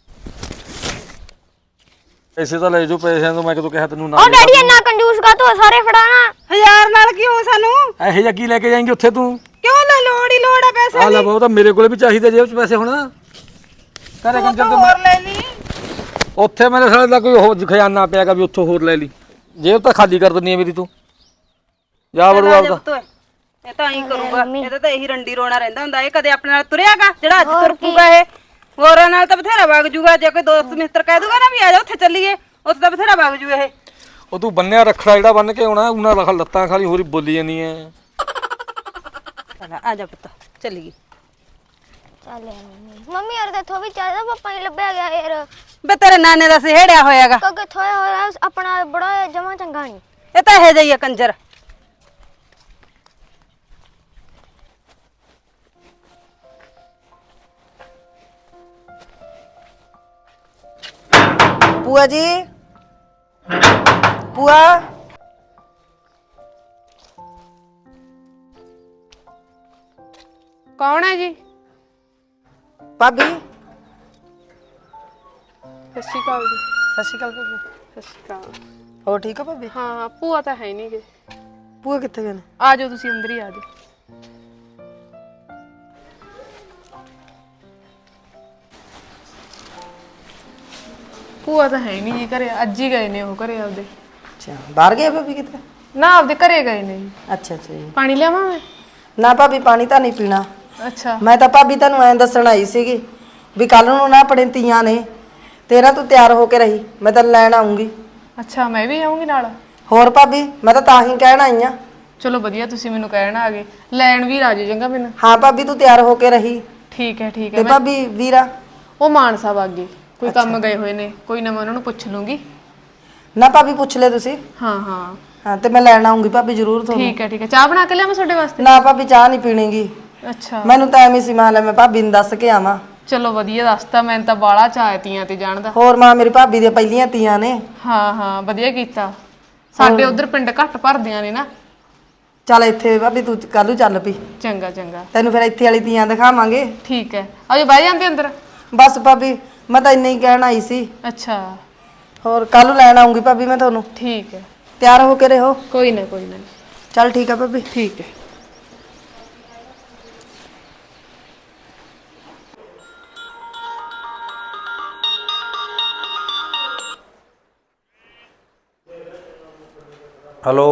Speaker 6: ਪੈਸੇ ਤਾਂ ਲੈ ਜੋ, ਪੈਸਿਆਂ ਤੋਂ ਮੈਂ ਕਦੋਂ ਕਿਹਾ ਤੈਨੂੰ ਨਾ?
Speaker 7: ਓ ਡੈਡੀ ਇੰਨਾ ਕੰਜੂਸ ਕਾ ਤੂੰ ਸਾਰੇ ਫੜਾਣਾ।
Speaker 5: ਹਜ਼ਾਰ ਨਾਲ ਕੀ ਹੋ ਸਾਨੂੰ?
Speaker 6: ਇਹੋ ਜਿਹਾ ਕੀ ਲੈ ਕੇ ਜਾਏਂਗੇ ਉੱਥੇ ਤੂੰ?
Speaker 5: ਕਿਉਂ ਲੈ ਲੋੜ ਹੀ ਲੋੜ ਆ ਪੈਸੇ
Speaker 6: ਆ ਲੈ ਬਹੁਤ, ਮੇਰੇ ਕੋਲੇ ਵੀ ਚਾਹੀਦੇ ਜੇਬ 'ਚ ਪੈਸੇ ਹੁਣ। ਘਰੇ ਕੰਜਰ ਤੇ
Speaker 5: ਹੋਰ ਲੈ ਲਈ।
Speaker 6: ਉੱਥੇ ਮੇਰੇ ਸਾਲੇ ਦਾ ਕੋਈ ਹੋਰ ਖਜ਼ਾਨਾ ਪਿਆਗਾ ਵੀ ਉੱਥੋਂ ਹੋਰ ਲੈ ਲਈ। ਜੇਬ ਤਾਂ ਖਾਲੀ ਕਰ ਦਿੰਨੀ ਆ ਮੇਰੀ ਤੂੰ। ਜਾ ਵੜੂ ਆਪਦਾ।
Speaker 5: ਇਹ ਤਾਂ ਐਂ ਕਰੂਗਾ, ਇਹਦਾ ਤਾਂ ਇਹੀ ਰੰਡੀ ਰੋਣਾ ਰਹਿੰਦਾ ਹੁੰਦਾ। ਇਹ ਕਦੇ ਆਪਣੇ ਨਾਲ ਤੁਰਿਆਗਾ ਜਿਹੜਾ ਅੱਜ ਤੁਰ ਪੂਗਾ? ਇਹ ਹੋਰਾਂ ਨਾਲ ਤਾਂ ਬਥੇਰਾ ਵਗ ਜੂਗਾ। ਜੇ ਕੋਈ ਦੋਸਤ ਮਿੱਤਰ ਕਹਿ ਦੂਗਾ ਨਾ ਵੀ ਆ ਜਾ ਉੱਥੇ ਚੱਲੀਏ, ਉੱਥੇ ਤਾਂ ਬਥੇਰਾ ਵਗ ਜੂ ਇਹ।
Speaker 6: ਉਹ ਤੂੰ ਬੰਨਿਆ ਰੱਖੜਾ ਜਿਹੜਾ ਬੰਨ ਕੇ ਆਉਣਾ, ਉਹਨਾਂ ਦਾ ਲੱਤਾਂ ਖਾਲੀ ਹੋਰੀ ਬੋਲੀ ਜਾਂਦੀ ਐ।
Speaker 5: ਚਲ ਆ ਜਾ ਪੁੱਤ ਚੱਲੀਏ।
Speaker 7: ਚੱਲ ਮੰਮੀ ਮੰਮੀ ਯਾਰ ਦੇਖੋ ਵੀ ਚਾਹੀਦਾ ਪਾਪਾ ਹੀ ਲੱਭਿਆ ਗਿਆ ਯਾਰ।
Speaker 5: ਬੇ ਤੇਰੇ ਨਾਨੇ ਦਾ ਸਿਹੜਿਆ ਹੋਇਆਗਾ।
Speaker 7: ਕਿਉਂਕਿ ਥੋੜਾ ਹੋਇਆ ਆਪਣਾ ਬੜਾ ਜਮਾ ਚੰਗਾ ਨਹੀਂ।
Speaker 5: ਇਹ ਤਾਂ ਇਹੋ ਜਿਹਾ ਹੀ ਆ ਕੰਜਰ।
Speaker 8: बुआ जी, बुआ
Speaker 3: ਕੌਣ ਹੈ ਜੀ?
Speaker 8: भाभी,
Speaker 3: ਸਤਿ ਸ਼੍ਰੀ ਅਕਾਲ ਜੀ।
Speaker 8: सत श्री अकाल भाभी।
Speaker 3: ਸਤਿ ਸ਼੍ਰੀ ਅਕਾਲ।
Speaker 8: हो ठीक है भाभी?
Speaker 3: ਹਾਂ ਭੂਆ ਤਾਂ ਹੈ ਨਹੀਂ ਗੇ।
Speaker 8: ਭੂਆ ਕਿੱਥੇ ਗਏ ਨੇ?
Speaker 3: ਆ ਜਾਓ ਤੁਸੀਂ ਅੰਦਰ ਹੀ ਆ ਜਾਓ। ਭੂਆ ਤਾਂ ਹੈ ਨਹੀਂ ਜੀ ਘਰੇ, ਅੱਜ ਹੀ ਗਏ ਨੇ ਉਹ ਘਰੇ ਆਪਦੇ।
Speaker 8: ਅੱਛਾ ਬਾਹਰ ਗਏ ਭਾਬੀ ਕਿਤੇ?
Speaker 3: ਨਾ ਆਪਦੇ ਘਰੇ ਗਏ ਨੇ ਜੀ।
Speaker 8: ਅੱਛਾ ਅੱਛਾ ਜੀ।
Speaker 3: ਪਾਣੀ ਲਿਆਵਾਂ ਮੈਂ?
Speaker 8: ਨਾ ਭਾਬੀ ਪਾਣੀ ਤਾਂ ਨਹੀਂ ਪੀਣਾ।
Speaker 3: ਅੱਛਾ
Speaker 8: ਮੈਂ ਤਾਂ ਭਾਬੀ ਤੁਹਾਨੂੰ ਐਂ ਦੱਸਣ ਆਈ ਸੀਗੀ ਵੀ ਕੱਲ ਨੂੰ ਨਾ ਆਪਣੇ ਤੀਆਂ ਨੇ ਤੇਰਾ ਤੂੰ ਤਿਆਰ ਹੋ ਕੇ ਰਹੀ, ਮੈਂ ਤਾਂ ਲੈਣ ਆਉਂਗੀ।
Speaker 3: ਅੱਛਾ ਮੈਂ ਵੀ ਆਉਂਗੀ ਨਾਲ?
Speaker 8: ਹੋਰ ਭਾਬੀ ਮੈਂ ਤਾਂ ਤਾਂ ਹੀ ਕਹਿਣ ਆਈ ਆ।
Speaker 3: ਚਲੋ ਵਧੀਆ ਤੁਸੀਂ ਮੈਨੂੰ ਕਹਿਣ ਆ ਗਏ, ਲੈਣ ਵੀ ਰਾਜੀ ਚੰਗਾ ਮੈਨੂੰ।
Speaker 8: ਹਾਂ ਭਾਬੀ ਤੂੰ ਤਿਆਰ ਹੋ ਕੇ ਰਹੀ।
Speaker 3: ਠੀਕ ਹੈ ਠੀਕ ਹੈ।
Speaker 8: ਤੇ
Speaker 3: ਮੈਂ
Speaker 8: ਭਾਬੀ ਵੀਰਾ
Speaker 3: ਉਹ ਮਾਨ ਸਾਹਿਬ ਆ ਗਏ, ਕੋਈ ਕੰਮ ਗਏ ਹੋਏ ਨੇ, ਕੋਈ ਨਾ ਮੈਂ ਉਹਨਾਂ ਨੂੰ ਪੁੱਛ ਲੂੰਗੀ।
Speaker 8: ਨਾ ਭਾਬੀ ਪੁੱਛ ਲੈ ਤੁਸੀਂ।
Speaker 3: ਹਾਂ ਹਾਂ
Speaker 8: ਹਾਂ ਤੇ ਮੈਂ ਲੈਣ ਆਉਂਗੀ ਭਾਬੀ ਜ਼ਰੂਰ ਤੁਹਾਨੂੰ।
Speaker 3: ਠੀਕ ਹੈ ਠੀਕ ਹੈ। ਚਾਹ ਬਣਾ ਕੇ ਲਿਆਵਾਂ ਤੁਹਾਡੇ ਵਾਸਤੇ?
Speaker 8: ਨਾ ਭਾਬੀ ਚਾਹ ਨਹੀਂ ਪੀਣੀਗੀ।
Speaker 3: ਅੱਛਾ
Speaker 8: ਮੈਨੂੰ ਤਾਂ ਐਵੇਂ ਸੀ ਮਾਂ ਲੈ ਮੈਂ ਭਾਬੀ ਨੂੰ ਦੱਸ ਕੇ ਆਵਾਂ।
Speaker 3: ਚਲੋ ਵਧੀਆ ਦੱਸਤਾ, ਮੈਨੂੰ ਤਾਂ ਬਾਲਾ ਚਾਅ ਤੀਆਂ ਤੇ ਜਾਣ ਦਾ।
Speaker 8: ਹੋਰ ਮਾਂ ਮੇਰੀ ਭਾਬੀ ਦੀਆਂ ਪਹਿਲੀਆਂ ਤੀਆਂ ਨੇ।
Speaker 3: ਹਾਂ ਹਾਂ ਵਧੀਆ ਕੀਤਾ। ਸਾਡੇ ਉਧਰ ਪਿੰਡ ਘੱਟ ਭਰਦਿਆਂ ਨੇ ਨਾ।
Speaker 8: ਚੱਲ ਇੱਥੇ ਭਾਬੀ ਤੂੰ ਕੱਲ ਨੂੰ ਚੱਲ ਪਈ,
Speaker 3: ਚੰਗਾ ਚੰਗਾ
Speaker 8: ਤੈਨੂੰ ਫਿਰ ਇੱਥੇ ਵਾਲੀ ਤੀਆਂ ਦਿਖਾਵਾਂਗੇ।
Speaker 3: ਠੀਕ ਹੈ। ਆਜੋ ਬਹਿ ਜਾਂਦੇ ਅੰਦਰ।
Speaker 8: ਬਸ ਭਾਬੀ ਮੈਂ ਤਾਂ ਇੰਨਾ ਹੀ ਕਹਿਣ ਆਈ ਸੀ।
Speaker 3: ਅੱਛਾ
Speaker 8: ਹੋਰ ਕੱਲ ਨੂੰ ਲੈਣ ਆਉਂਗੀ ਭਾਬੀ ਮੈਂ ਤੁਹਾਨੂੰ।
Speaker 3: ਠੀਕ ਹੈ।
Speaker 8: ਤਿਆਰ ਹੋ ਕੇ ਰਹੋ।
Speaker 3: ਕੋਈ ਨਾ ਕੋਈ ਨਾ।
Speaker 8: ਚੱਲ ਠੀਕ ਆ ਭਾਬੀ।
Speaker 3: ਠੀਕ ਹੈ।
Speaker 1: ਹੈਲੋ।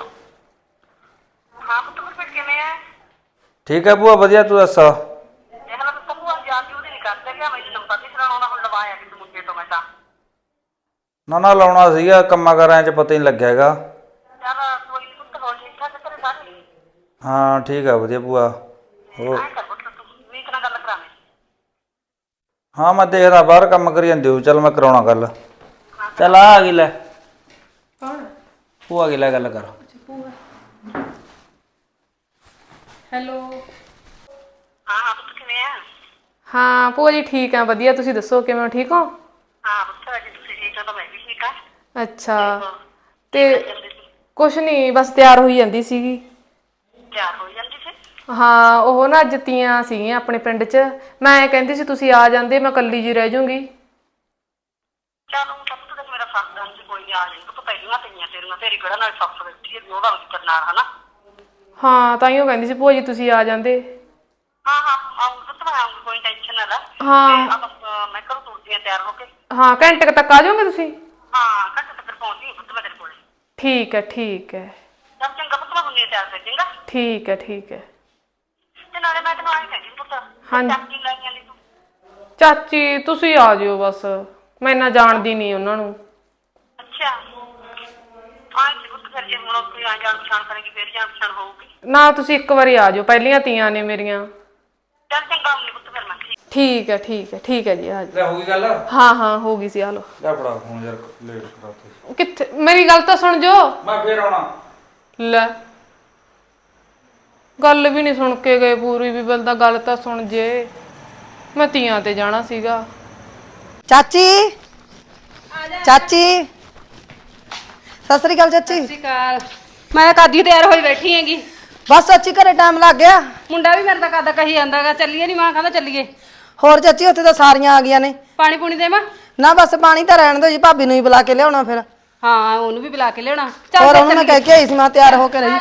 Speaker 5: ਹਾਂ ਪੁੱਤ ਫਿਰ ਕਿਵੇਂ ਆ?
Speaker 1: ਠੀਕ ਹੈ ਭੂਆ ਵਧੀਆ, ਤੂੰ ਦੱਸ?
Speaker 5: ਇਹ ਹਾਲ ਤਾਂ ਭੂਆ ਜਾਣ ਦੀ ਉਹਦੀ ਨਹੀਂ ਕਰਦੇ ਕਿ ਮੈਨੂੰ ਨੰਬਰ ਨਹੀਂ ਸੁਣਾਉਣਾ, ਹੁਣ ਲਵਾਇਆ ਕਿਸ ਮੁੰਡੇ ਤੋਂ ਮੈਂ ਤਾਂ।
Speaker 1: ਨਾ ਨਾ ਲਾਉਣਾ ਸੀਗਾ, ਕੰਮਾਂ ਕਾਰਾਂ 'ਚ ਪਤਾ ਹੀ ਨਹੀਂ ਲੱਗਿਆ ਹੈਗਾ।
Speaker 5: ਚੱਲ ਕੋਈ ਨੀ ਪੁੱਤ, ਹੋਰ ਠੀਕ ਠਾਕ ਤੇਰੇ ਸਾਰੇ?
Speaker 1: ਹਾਂ ਠੀਕ ਆ ਵਧੀਆ ਭੂਆ। ਹੋਰ
Speaker 5: ਐਂ ਕਰ ਪੁੱਤ ਤੂੰ ਵੀਕ ਨਾਲ ਗੱਲ ਕਰਾਵੇਂ।
Speaker 1: ਹਾਂ ਮੈਂ ਦੇਖਦਾ ਬਾਹਰ ਕੰਮ ਕਰੀ ਜਾਂਦੇ ਹੋ, ਚੱਲ ਮੈਂ ਕਰਾਉਣਾ ਗੱਲ। ਚੱਲ ਆ ਆ ਗਈ ਲੈ।
Speaker 3: ਕੌਣ?
Speaker 1: ਭੂਆ ਗਈ ਲੈ ਗੱਲ ਕਰ।
Speaker 3: ਹੈਲੋ।
Speaker 5: ਹਾਂ ਹਾਂ ਪੁੱਤ ਕਿਵੇਂ ਆ?
Speaker 3: ਹਾਂ ਭੂਆ ਜੀ ਠੀਕ ਆ ਵਧੀਆ, ਤੁਸੀਂ ਦੱਸੋ ਕਿਵੇਂ ਹੋ, ਠੀਕ ਹੋ?
Speaker 5: ਹਾਂ ਪੁੱਤ ਜੇ ਤੁਸੀਂ ਠੀਕ ਆ ਤਾਂ ਮੈਂ ਵੀ ਠੀਕ ਆ।
Speaker 3: ਅੱਛਾ ਤੇ ਕੁਛ ਨਹੀਂ, ਬਸ ਤਿਆਰ ਹੋਈ ਜਾਂਦੀ ਸੀਗੀ।
Speaker 5: ਤਿਆਰ ਹੋ ਜਾਂਦੀ ਸੀ?
Speaker 3: ਹਾਂ ਉਹ ਨਾ ਅੱਜ ਤੀਆਂ ਸੀਗੀਆਂ ਆਪਣੇ ਪਿੰਡ 'ਚ, ਮੈਂ ਐਂ ਕਹਿੰਦੀ ਸੀ ਤੁਸੀਂ ਆ ਜਾਂਦੇ, ਮੈਂ ਇਕੱਲੀ ਜੀ ਰਹਿ ਜੂੰਗੀ।
Speaker 5: ਚੱਲ ਹੁਣ ਤਾਂ ਪੁੱਤ ਮੇਰਾ ਸੱਸ ਦਾ ਸੀ, ਕੋਈ ਨਹੀਂ ਆ ਜਾਏਗਾ। ਪੁੱਤ ਪਹਿਲੀਆਂ ਤੀਆਂ ਤੇਰੀਆਂ, ਤੇਰੀ ਕਿਹੜਾ ਨਾਲ ਸੱਸ ਬੈਠੀ ਹੈ ਵੀ ਉਹਦਾ ਵੀ ਕਰਨਾ ਹਨਾ।
Speaker 3: ਹਾਂ ਤਾਂ ਹੀ ਉਹ ਕਹਿੰਦੀ ਸੀ ਭੂਆ ਜੀ ਤੁਸੀਂ ਆ ਜਾਂਦੇ।
Speaker 5: ਹਾਂ ਹਾਂ ਆਉਂਗੀ ਪੁੱਤ, ਮੈਂ ਆਉਂਗੀ, ਕੋਈ ਟੈਨਸ਼ਨ ਨਾ ਲੈ।
Speaker 3: ਹਾਂ
Speaker 5: ਤੇ ਆ ਬਸ ਮੈਂ ਘਰੋਂ ਤੁਰਦੀ ਆ ਤਿਆਰ ਹੋ ਕੇ।
Speaker 3: ਹਾਂ ਘੰਟੇ ਕੁ ਤੱਕ ਆ ਜਾਓਗੇ ਤੁਸੀਂ?
Speaker 5: ਹਾਂ ਘੰਟੇ ਤੱਕ ਪਹੁੰਚੀ ਪੁੱਤ ਮੈਂ ਤੇਰੇ ਕੋਲ।
Speaker 3: ਠੀਕ ਹੈ ਠੀਕ ਹੈ।
Speaker 5: ਚੱਲ ਚੰਗਾ ਪੁੱਤ, ਮੈਂ ਹੁੰਨੀ ਤਿਆਰ ਕਰ ਚੰਗਾ।
Speaker 3: ਠੀਕ ਹੈ ਠੀਕ ਹੈ।
Speaker 5: ਤੇ ਨਾਲੇ ਮੈਂ ਤੈਨੂੰ ਆਏ ਕਹਿੰਦੀ ਪੁੱਤ,
Speaker 3: ਹਾਂਜੀ।
Speaker 5: ਚਾਚੀ ਲੈ ਜਾਂਦੀ ਤੂੰ।
Speaker 3: ਚਾਚੀ ਤੁਸੀਂ ਆ ਜਿਓ ਬਸ, ਮੈਂ ਇੰਨਾ ਜਾਣਦੀ ਨਹੀਂ ਉਹਨਾਂ ਨੂੰ।
Speaker 5: ਅੱਛਾ ਆਏ ਸੀ ਪੁੱਤ, ਫਿਰ ਜੇ ਹੁਣ ਕੋਈ ਆ ਜਾਣ ਪਛਾਣ ਕਰੇਗੀ ਫਿਰ ਜਾਣ ਪਛਾਣ ਹੋਊਗੀ।
Speaker 3: ਨਾ ਤੁਸੀਂ ਇੱਕ ਵਾਰੀ ਆ ਜਾਓ, ਪਹਿਲੀਆਂ ਤੀਆਂ ਨੇ ਮੇਰੀਆਂ।
Speaker 5: ਚੱਲ ਚੰਗਾ ਆਉਂਗੀ ਪੁੱਤ ਫਿਰ ਮੈਂ।
Speaker 3: ਠੀਕ ਹੈ ਠੀਕ ਹੈ ਠੀਕ ਹੈ ਜੀ ਆ ਜਾਓ।
Speaker 1: ਲੈ ਹੋ ਗਈ ਗੱਲ?
Speaker 3: ਹਾਂ ਹਾਂ ਹੋ ਗਈ ਸੀ। ਆ ਲਓ।
Speaker 1: ਲੈ ਫੜਾ ਫੋਨ ਯਾਰ, ਲੇਟ ਕਰਾਤੇ।
Speaker 3: ਕਿੱਥੇ? ਮੇਰੀ ਗੱਲ ਤਾਂ ਸੁਣ ਜੋ।
Speaker 1: ਮੈਂ ਫੇਰ ਆਉਣਾ।
Speaker 3: ਲੈ ਗੱਲ ਵੀ ਨਹੀਂ ਸੁਣ ਕੇ ਗਏ ਪੂਰੀ ਵੀ, ਬਲਦਾ ਗੱਲ ਤਾਂ ਸੁਣ ਜੇ, ਮੈਂ ਤੀਆਂ ਤੇ ਜਾਣਾ ਸੀਗਾ।
Speaker 8: ਚਾਚੀ ਚਾਚੀ ਸਤਿ ਸ੍ਰੀ ਅਕਾਲ ਚਾਚੀ।
Speaker 4: ਮੈਂ ਕਾਦੀ ਤਿਆਰ ਹੋਈ ਬੈਠੀ ਹੈਗੀ।
Speaker 8: ਬਸ ਚਾਚੀ ਘਰੇ ਟਾਈਮ ਲੱਗ ਗਿਆ।
Speaker 4: ਮੁੰਡਾ ਵੀ ਮੇਰੇ ਤਾਂ ਕਾਦਾ ਕਹੀ ਜਾਂਦਾਗਾ ਚੱਲੀਏ, ਨਹੀਂ ਮਾਂ ਕਹਿੰਦਾ ਚੱਲੀਏ।
Speaker 8: ਹੋਰ ਚਾਚੀ ਉੱਥੇ ਤਾਂ ਸਾਰੀਆਂ ਆ ਗਈਆਂ ਨੇ।
Speaker 4: ਪਾਣੀ ਪੂਣੀ ਦੇਵਾਂ?
Speaker 8: ਨਾ ਬਸ ਪਾਣੀ ਤਾਂ ਰਹਿਣ ਦਿਓ ਜੀ, ਭਾਬੀ ਨੂੰ ਹੀ ਬੁਲਾ ਕੇ ਲਿਆਉਣਾ ਫਿਰ।
Speaker 4: ਹਾਂ ਉਹਨੂੰ ਵੀ ਬੁਲਾ ਕੇ ਲਿਆਉਣਾ।
Speaker 8: ਹੋਰ ਉਹਨੂੰ ਮੈਂ ਕਹਿ ਕੇ ਆਈ ਸੀ ਮੈਂ ਤਿਆਰ ਹੋ ਕੇ ਰਹੀ।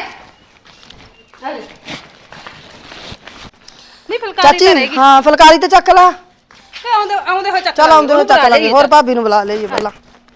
Speaker 4: ਨਹੀਂ ਫੁਲਕਾਰੀ ਤਾਂ
Speaker 8: ਚਾਚੀ
Speaker 4: ਰਹੇਗੀ।
Speaker 8: ਹਾਂ ਫੁਲਕਾਰੀ ਤੇ ਚੱਕ ਲਾ।
Speaker 4: ਤੇ ਆਉਂਦੇ ਆਉਂਦੇ ਹੋਏ ਚੱਕ
Speaker 8: ਚੱਲ ਆਉਂਦੇ ਹੋਏ ਚੱਕ ਲਾਂਗੇ। ਹੋਰ ਭਾਬੀ ਨੂੰ ਬੁਲਾ ਲਈਏ ਪਹਿਲਾਂ।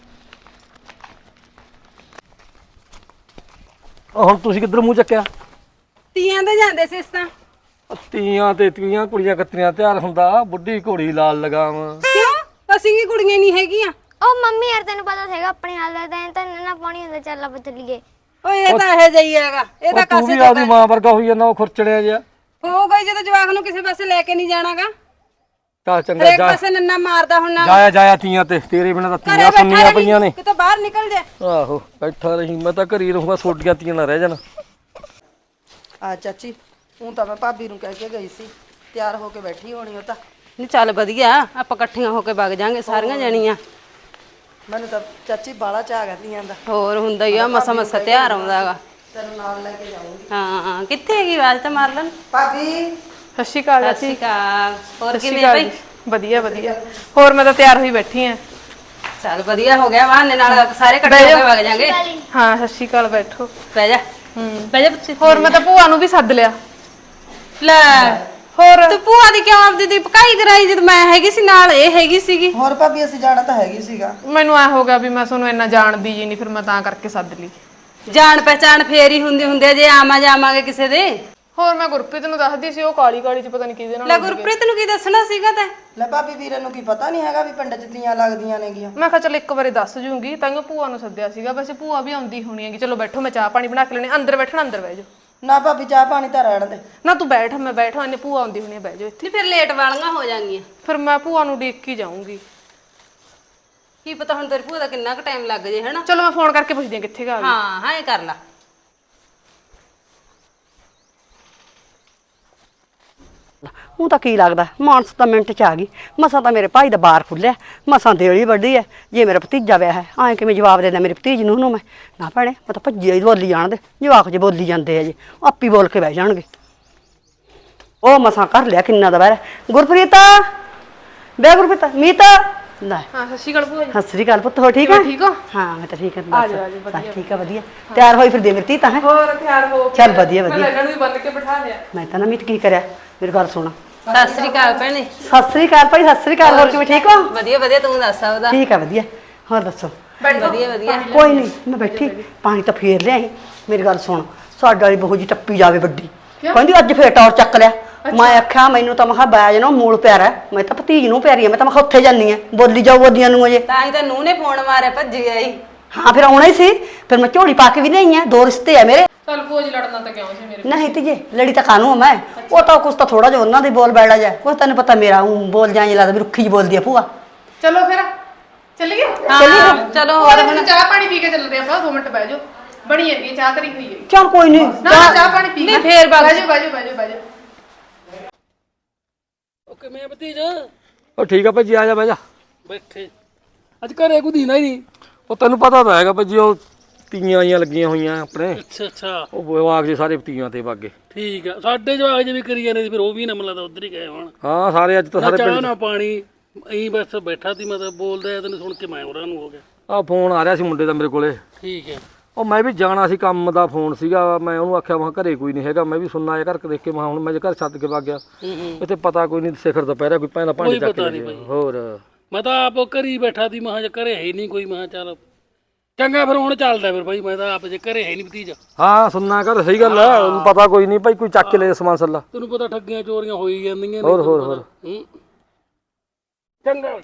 Speaker 6: ਹੁਣ ਤੁਸੀਂ ਕਿੱਧਰ ਮੂੰਹ ਚੱਕਿਆ?
Speaker 4: ਤੀਆਂ ਦੇ ਜਾਂਦੇ ਸੀ ਇਸ ਤਾਂ।
Speaker 6: ਤੀਆਂ ਤੇ ਤੀਆਂ ਕੁੜੀਆਂ ਕੱਤਰੀਆਂ ਤਿਆਰ ਹੁੰਦਾ, ਬੁੱਢੀ ਘੋੜੀ ਲਾਲ ਲਗਾਮ।
Speaker 4: ਕਿਉਂ ਅਸੀਂ ਕੀ ਕੁੜੀਆਂ ਨਹੀਂ ਹੈਗੀਆਂ?
Speaker 7: ਉਹ ਮੰਮੀ ਯਾਰ ਤੈਨੂੰ ਪਤਾ ਹੈਗਾ ਆਪਣੇ ਹਾਲ ਦਾ, ਤਾਂ ਤਾਂ ਨਾ ਪਾਣੀ ਹੁੰਦਾ, ਚੱਲ ਆਪਾਂ ਚੱਲੀਏ।
Speaker 4: ਓਏ ਇਹ ਤਾਂ ਇਹ ਜਈ ਹੈਗਾ, ਇਹ ਤਾਂ
Speaker 6: ਤੂੰ ਵੀ ਆਪਦੀ ਮਾਂ ਵਰਗਾ ਹੋਈ ਜਾਂਦਾ, ਉਹ ਖੁਰਚੜਿਆ ਜਿਹਾ।
Speaker 4: ਹੋ ਗਈ ਜਦੋਂ ਜਵਾਕ ਨੂੰ ਕਿਸੇ ਪਾਸੇ ਲੈ ਕੇ ਨਹੀਂ ਜਾਣਾਗਾ।
Speaker 6: ਚੱਲ ਚੰਗਾ
Speaker 4: ਹਰੇਕ
Speaker 6: ਜਾ,
Speaker 4: ਪਾਸੇ ਨੰਨਾ ਮਾਰਦਾ ਹੁਣ ਨਾ।
Speaker 6: ਜਾਇਆ ਜਾਇਆ ਤੀਆਂ ਤੇ, ਤੇਰੇ ਬਿਨਾਂ ਤਾਂ
Speaker 4: ਘਰੇ
Speaker 6: ਤੀਆਂ
Speaker 4: ਬੈਠਾ
Speaker 6: ਸੁਣਨੀਆਂ ਪਈਆਂ ਨੇ।
Speaker 4: ਕਿਤੇ ਬਾਹਰ ਨਿਕਲ ਜਾ।
Speaker 6: ਆਹੋ ਬੈਠਾ ਰਹੀ, ਮੈਂ ਤਾਂ ਘਰੀ ਰਹੂੰਗਾ, ਸੋਡੀਆਂ ਤੀਆਂ ਨਾ ਰਹਿ ਜਾਣ।
Speaker 8: ਆ ਚਾਚੀ ਹੁਣ ਤਾਂ ਮੈਂ ਭਾਬੀ ਨੂੰ ਕਹਿ ਕੇ ਗਈ ਸੀ, ਤਿਆਰ ਹੋ ਕੇ ਬੈਠੀ ਹੋਣੀ ਉਹ ਤਾਂ।
Speaker 4: ਨਹੀਂ ਚੱਲ ਵਧੀਆ, ਆਪਾਂ ਇਕੱਠੀਆਂ ਹੋ ਕੇ ਵਗ ਜਾਾਂਗੇ ਸਾਰੀਆਂ ਜਣੀਆਂ।
Speaker 8: ਮੈਨੂੰ ਤਾਂ ਚਾਚੀ ਬਾਲਾ ਚਾਹ ਕਰਦੀਆਂ ਦਾ।
Speaker 4: ਹੋਰ ਹੁੰਦਾ ਹੀ ਆ, ਮਸਾ ਮਸਾ ਤਿਆਰ ਆਉਂਦਾ ਹੈਗਾ।
Speaker 8: ਤੈਨੂੰ ਨਾਲ ਲੈ ਕੇ ਜਾਊਂਗੀ।
Speaker 4: ਹਾਂ ਕਿੱਥੇ ਹੈਗੀ ਆਵਾਜ਼ ਤਾਂ ਮਾਰ ਲੈਣ।
Speaker 8: ਭਾਬੀ
Speaker 3: ਸਤਿ ਸ਼੍ਰੀ ਅਕਾਲ
Speaker 4: ਸਤਿ
Speaker 3: ਚਾਚੀ।
Speaker 4: ਸ਼੍ਰੀ ਅਕਾਲ। ਹੋਰ
Speaker 3: ਸਤਿ ਸ਼੍ਰੀ
Speaker 4: ਕਿਵੇਂ
Speaker 3: ਅਕਾਲ
Speaker 4: ਭਾਈ?
Speaker 3: ਜੀ। ਵਧੀਆ ਵਧੀਆ। ਹੋਰ ਮੈਂ ਤਾਂ ਤਿਆਰ ਹੋਈ ਬੈਠੀ ਆ।
Speaker 4: ਚੱਲ ਵਧੀਆ ਹੋ ਗਿਆ, ਬਹਾਨੇ ਨਾਲ ਸਾਰੇ ਇਕੱਠੇ ਹੋ ਕੇ ਵਗ ਜਾਾਂਗੇ।
Speaker 3: ਹਾਂ ਸਤਿ ਸ਼੍ਰੀ ਅਕਾਲ, ਬੈਠੋ।
Speaker 4: ਬਹਿ ਜਾ।
Speaker 5: ਬਹਿ ਜਾ ਪੁੱਤ।
Speaker 3: ਹੋਰ ਮੈਂ ਤਾਂ ਭੂਆ ਨੂੰ ਵੀ ਸੱਦ ਲਿਆ।
Speaker 5: ਲੈ
Speaker 3: ਹੋਰ
Speaker 5: ਤੂੰ ਭੂਆ ਦੀ ਕਿਉਂ ਆਪਦੀ ਦੀ ਪਕਾਈ ਕਰਾਈ ਜਦ ਮੈਂ ਹੈਗੀ ਸੀ ਨਾਲ, ਇਹ ਹੈਗੀ ਸੀਗੀ।
Speaker 8: ਹੋਰ ਭਾਬੀ ਅਸੀਂ ਜਾਣਾ ਤਾਂ ਹੈਗੀ ਸੀਗਾ।
Speaker 3: ਮੈਨੂੰ ਐ ਹੋ ਗਿਆ ਵੀ ਮੈਂ ਤੁਹਾਨੂੰ ਇੰਨਾ ਜਾਣਦੀ ਜੀ ਨਹੀਂ, ਫਿਰ ਮੈਂ ਤਾਂ ਕਰਕੇ ਸੱਦ ਲਈ।
Speaker 5: ਜਾਣ ਪਹਿਚਾਣ ਫੇਰ ਹੀ ਹੁੰਦੀ ਹੁੰਦੇ ਜੇ ਆਵਾਂ ਜਾਵਾਂਗੇ ਕਿਸੇ ਦੇ।
Speaker 3: ਹੋਰ ਮੈਂ ਗੁਰਪ੍ਰੀਤ ਨੂੰ ਦੱਸਦੀ ਸੀ, ਉਹ ਕਾਲੀ ਕਾਲੀ ਚ ਪਤਾ ਨਹੀਂ ਕਿਹਦੇ ਨਾਲ
Speaker 5: ਲੈ
Speaker 3: ਉੱਡ ਗਈ।
Speaker 5: ਗੁਰਪ੍ਰੀਤ ਨੂੰ ਕੀ ਦੱਸਣਾ ਸੀਗਾ ਤੈਂ?
Speaker 8: ਲੈ ਭਾਬੀ ਵੀਰੇ ਨੂੰ ਕੀ ਪਤਾ ਨਹੀਂ ਹੈਗਾ ਵੀ ਪਿੰਡ 'ਚ ਤੀਆਂ ਲੱਗਦੀਆਂ ਨੇਗੀਆਂ।
Speaker 3: ਮੈਂ ਕਿਹਾ ਚਲ ਇੱਕ ਵਾਰੀ ਦੱਸ ਜੂੰਗੀ, ਤਾਂ ਭੂਆ ਨੂੰ ਸੱਦਿਆ ਸੀਗਾ। ਵੈਸੇ ਭੂਆ ਵੀ ਆਉਂਦੀ ਹੋਣੀ ਹੈਗੀ। ਚਲੋ ਬੈਠੋ, ਮੈਂ ਚਾਹ ਪਾਣੀ ਬਣਾ ਕੇ ਲੈਣੀ। ਅੰਦਰ ਬੈਠਣਾ, ਅੰਦਰ ਬਹਿ ਜਾਓ।
Speaker 8: ਨਾ ਭਾਬੀ ਚਾਹ ਪਾਣੀ ਤਾਂ ਰਹਿਣ ਦੇ।
Speaker 3: ਨਾ ਤੂੰ ਬੈਠ, ਮੈਂ ਬੈਠਾ, ਇਹਨੇ ਭੂਆ ਆਉਂਦੀ ਹੋਣੀ, ਬਹਿ ਜਾਓ ਇੱਥੇ।
Speaker 5: ਨਹੀਂ ਫਿਰ ਲੇਟ ਵਾਲੀਆਂ ਹੋ ਜਾਣਗੀਆਂ।
Speaker 3: ਫਿਰ ਮੈਂ ਭੂਆ ਨੂੰ ਉਡੀਕ ਕੇ ਜਾਊਂਗੀ।
Speaker 5: ਕੀ ਪਤਾ ਹੁਣ ਤੇਰੀ ਭੂਆ ਦਾ ਕਿੰਨਾ ਕੁ ਟਾਈਮ ਲੱਗ ਜੇ ਹਨਾ।
Speaker 3: ਚਲੋ ਮੈਂ ਫੋਨ ਕਰਕੇ ਪੁੱਛਦੀ ਹਾਂ ਕਿੱਥੇ ਗਾ।
Speaker 5: ਹਾਂ ਹਾਂ ਇਹ ਕਰ ਲਾ।
Speaker 2: ਉਹ ਤਾਂ ਕੀ ਲੱਗਦਾ, ਮਾਨਸ ਤਾਂ ਮਿੰਟ ਚ ਆ ਗਈ। ਮਸਾਂ ਤਾਂ ਮੇਰੇ ਭਾਈ ਦਾ ਬਾਰ ਖੁੱਲਿਆ, ਮਸਾਂ ਦੇਲੀ ਵੱਡੀ ਐ। ਜੇ ਮੇਰਾ ਭਤੀਜਾ ਵਿਆਹ ਹੈ, ਐਂ ਕਿਵੇਂ ਜਵਾਬ ਦੇਣਾ ਮੇਰੇ ਭਤੀਜ ਨੂੰ ਉਹਨੂੰ ਮੈਂ? ਨਾ ਭੈਣੇ, ਮੈਂ ਤਾਂ ਭੱਜੀ ਹੀ ਬੋਲੀ ਜਾਣ ਦੇ। ਜਵਾਕ ਜੇ ਬੋਲੀ ਜਾਂਦੇ ਆ ਜੀ, ਆਪੀ ਬੋਲ ਕੇ ਬਹਿ ਜਾਣਗੇ। ਉਹ ਮਸਾਂ ਕਰ ਲਿਆ ਕਿੰਨਾ ਦਾ ਬਹਿ। ਗੁਰਪ੍ਰੀਤ ਬੇ ਗੁਰਪ੍ਰੀਤ ਮੀਤ ਲੈ।
Speaker 3: ਹਾਂ ਸਤਿ ਸ਼੍ਰੀ ਅਕਾਲ ਭੂਆ ਜੀ।
Speaker 2: ਸਤਿ ਸ੍ਰੀ ਅਕਾਲ ਪੁੱਤ, ਹੋ ਠੀਕ ਹੈ?
Speaker 3: ਠੀਕ ਹੋ?
Speaker 2: ਹਾਂ ਮੈਂ ਤਾਂ ਠੀਕ ਹਾਂ।
Speaker 3: ਆ ਜਾਓ, ਆ ਜਾਓ, ਵਧੀਆ।
Speaker 2: ਠੀਕ ਆ, ਵਧੀਆ। ਤਿਆਰ ਹੋਈ ਫਿਰ ਦੇ ਮੇਰੀ ਧੀ ਤਾਂ ਹੈ।
Speaker 3: ਹੋਰ ਤਿਆਰ ਹੋ ਕੇ
Speaker 2: ਚੱਲ ਵਧੀਆ
Speaker 3: ਮੈਂ
Speaker 2: ਵਧੀਆ।
Speaker 3: ਲੱਗਣ ਨੂੰ ਵੀ ਬੰਨ ਕੇ ਬਿਠਾ ਲਿਆ।
Speaker 2: ਮੈਂ ਤਾਂ ਨਾ ਮੀਤ ਕੀ ਕਰਿਆ, ਮੇਰੀ ਗੱਲ ਸੁਣ।
Speaker 5: ਸਤਿ ਸ੍ਰੀ ਅਕਾਲ ਭੈਣੇ।
Speaker 2: ਸਤਿ ਸ੍ਰੀ ਅਕਾਲ ਭਾਈ, ਸਤਿ ਸ੍ਰੀ ਅਕਾਲ। ਹੋਰ ਕਿਵੇਂ, ਠੀਕ ਹੋ?
Speaker 5: ਵਧੀਆ ਵਧੀਆ, ਤੂੰ ਦੱਸ ਉਹਦਾ।
Speaker 2: ਠੀਕ ਆ, ਵਧੀਆ। ਹੋਰ ਦੱਸੋ?
Speaker 5: ਵਧੀਆ ਵਧੀਆ।
Speaker 2: ਕੋਈ ਨਹੀਂ, ਮੈਂ ਬੈਠੀ। ਪਾਣੀ ਤਾਂ ਫੇਰ ਲਿਆਈ। ਮੇਰੀ ਗੱਲ ਸੁਣ, ਸਾਡੇ ਵਾਲੀ ਬਹੂ ਜੀ ਟੱਪੀ ਜਾਵੇ ਵੱਡੀ, ਕਹਿੰਦੀ ਅੱਜ ਫੇਰ ਟੌਰ ਚੱਕ ਲਿਆ। ਮੈਂ ਆਖਿਆ ਮੈਨੂੰ ਤਾਂ ਮੈਂ ਕਿਹਾ ਬਾਜ ਨਾ ਮੂਲ ਪਿਆਰਾ, ਮੈਂ ਤਾਂ ਭਤੀਜ ਨੂੰ ਪਿਆਰੀ ਆ। ਮੈਂ ਤਾਂ ਮੈਂ ਕਿਹਾ ਉੱਥੇ ਜਾਨੀ ਆ, ਬੋਲੀ ਜਾਓ ਬੋਦੀਆਂ ਨੂੰ ਅਜੇ।
Speaker 5: ਤਾਂ ਹੀ ਤਾਂ ਨੂੰਹ ਨੇ ਫੋਨ ਮਾਰਿਆ, ਭੱਜੀ ਆਈ।
Speaker 2: ਹਾਂ ਫਿਰ ਆਉਣਾ ਹੀ ਸੀ। ਫਿਰ ਮੈਂ ਝੋਲੀ ਪਾ ਕੇ ਵੀ ਲਿਆਈ ਆ। ਦੋ ਰਿਸ਼ਤੇ ਆ ਮੇਰੇ।
Speaker 3: ਚੱਲ ਭੂਆ ਜੀ ਲੜਨਾ ਤਾਂ ਕਿਉਂ ਸੀ ਮੇਰੇ?
Speaker 2: ਨਹੀਂ ਤੀਜੇ ਲੜੀ ਤਾਂ ਕਾਨੂੰ ਆ ਮੈਂ। ਉਹ ਤਾਂ ਕੁਛ ਤਾਂ ਥੋੜਾ ਜਿਹਾ ਉਹਨਾਂ ਦੇ ਬੋਲ ਬੈੜਾ ਜਾ, ਕੁਛ ਤੈਨੂੰ ਪਤਾ ਮੇਰਾ ਊਂ ਬੋਲ ਜਾਂ ਲੱਗਦਾ ਵੀ ਰੁੱਖੀ ਜਿਹੀ ਬੋਲਦੀ ਆ ਭੂਆ।
Speaker 3: ਚਲੋ ਫਿਰ ਚੱਲੀਏ।
Speaker 5: ਹਾਂ ਚਲੋ
Speaker 3: ਹੋਰ ਹੁਣ ਚਾਹ ਪਾਣੀ ਪੀ ਕੇ ਚੱਲਦੇ ਆਪਾਂ। ਦੋ ਮਿੰਟ ਬਹਿ ਜਾਓ, ਬਣੀ ਜਾਂਦੀ ਹੈ ਚਾਹ, ਤਰੀ ਹੋਈ ਹੈ।
Speaker 2: ਚੱਲ ਕੋਈ ਨਹੀਂ।
Speaker 3: ਨਾ ਚਾਹ ਪਾਣੀ ਪੀ ਕੇ ਫੇਰ ਬਹਿ ਜਾਓ, ਬਹਿ ਜਾਓ, ਬਹਿ ਜਾਓ, ਬਹਿ ਜਾਓ।
Speaker 6: ਓਕੇ ਮੈਂ ਭਤੀਜ ਉਹ ਠੀਕ ਆ ਭਾਜੀ, ਆ ਜਾ ਬਹਿ ਜਾ। ਬੈਠੇ ਅੱਜ ਘਰੇ ਕੋਈ ਦੀਨਾ ਹੀ ਨਹੀਂ। ਉਹ ਤੈਨੂੰ ਪਤਾ ਤਾਂ ਹੈਗਾ ਭਾਜੀ, ਉਹ ਤੀਆਂ ਆਈਆਂ ਲੱਗੀਆਂ ਹੋਈਆਂ ਆਪਣੇ।
Speaker 9: ਅੱਛਾ ਅੱਛਾ
Speaker 6: ਉਹ ਜਵਾਕ ਜੇ ਸਾਰੇ ਤੀਆਂ ਤੇ ਵਾਗੇ।
Speaker 9: ਠੀਕ ਆ, ਸਾਡੇ ਜਵਾਕ ਜੇ ਵੀ ਕਰੀ ਜਾਂਦੇ ਸੀ, ਫਿਰ ਉਹ ਵੀ ਨਾ ਮਤਲਬ ਉਧਰ ਹੀ ਗਏ ਹੋਣ।
Speaker 6: ਹਾਂ ਸਾਰੇ ਅੱਜ ਤਾਂ
Speaker 9: ਨਾ
Speaker 6: ਸਾਰੇ
Speaker 9: ਚਾਹ
Speaker 6: ਪਿੰਡ
Speaker 9: ਨਾ ਪਾਣੀ, ਐਂ ਬਸ ਬੈਠਾ ਸੀ। ਮੈਂ ਤਾਂ ਬੋਲਦਾ ਤੈਨੂੰ ਸੁਣ ਕੇ ਮੈਂ ਉਹਨਾਂ ਨੂੰ ਹੋ ਗਿਆ।
Speaker 6: ਆ ਫੋਨ ਆ ਰਿਹਾ ਸੀ ਮੁੰਡੇ ਦਾ ਮੇਰੇ ਕੋਲੇ।
Speaker 9: ਠੀਕ ਹੈ।
Speaker 6: ਉਹ ਮੈਂ ਵੀ ਜਾਣਾ ਸੀ, ਕੰਮ ਦਾ ਫੋਨ ਸੀਗਾ। ਮੈਂ ਉਹਨੂੰ ਆਖਿਆ ਮੈਂ ਘਰੇ ਕੋਈ ਨਹੀਂ ਹੈਗਾ। ਮੈਂ ਵੀ ਸੁਣਨਾ ਆਇਆ ਘਰ ਦੇਖ ਕੇ, ਮੈਂ ਹੁਣ ਮੈਂ ਘਰ ਛੱਡ ਕੇ ਵਗ ਗਿਆ। ਇੱਥੇ ਪਤਾ ਕੋਈ ਨਹੀਂ, ਸਿਖਰ ਦੁਪਹਿਰਾ ਕੋਈ ਭੈਣਾ ਭਾਂਡੇ ਚੱਕ ਕੇ ਲੈ ਹੋਰ।
Speaker 9: ਮੈਂ ਤਾਂ ਆਪ ਘਰੀ ਬੈਠਾ ਸੀ, ਮੈਂ ਕਿਹਾ ਘਰੇ ਹੈ ਹੀ ਨਹੀਂ ਕੋਈ। ਮੈਂ ਕਿਹਾ ਚੱਲ ਚੰਗਾ ਫਿਰ ਹੁਣ ਚੱਲਦਾ ਫਿਰ ਭਾਈ। ਮੈਂ ਤਾਂ ਆਪ ਜੇ ਘਰੇ ਹੈ ਨਹੀਂ ਭਤੀਜਾ।
Speaker 6: ਹਾਂ ਸੁਣਨਾ ਘਰ, ਸਹੀ ਗੱਲ ਹੈ। ਉਹਨੂੰ ਪਤਾ ਕੋਈ ਨਹੀਂ ਭਾਈ, ਕੋਈ ਚੱਕ ਕੇ ਲੈ ਸਮਾਨ ਸੱਲਾ।
Speaker 9: ਤੈਨੂੰ ਪਤਾ ਠੱਗੀਆਂ ਚੋਰੀਆਂ ਹੋਈ ਜਾਂਦੀਆਂ ਨੇ।
Speaker 6: ਹੋਰ ਹੋਰ ਹੋਰ
Speaker 9: ਚੰਗਾ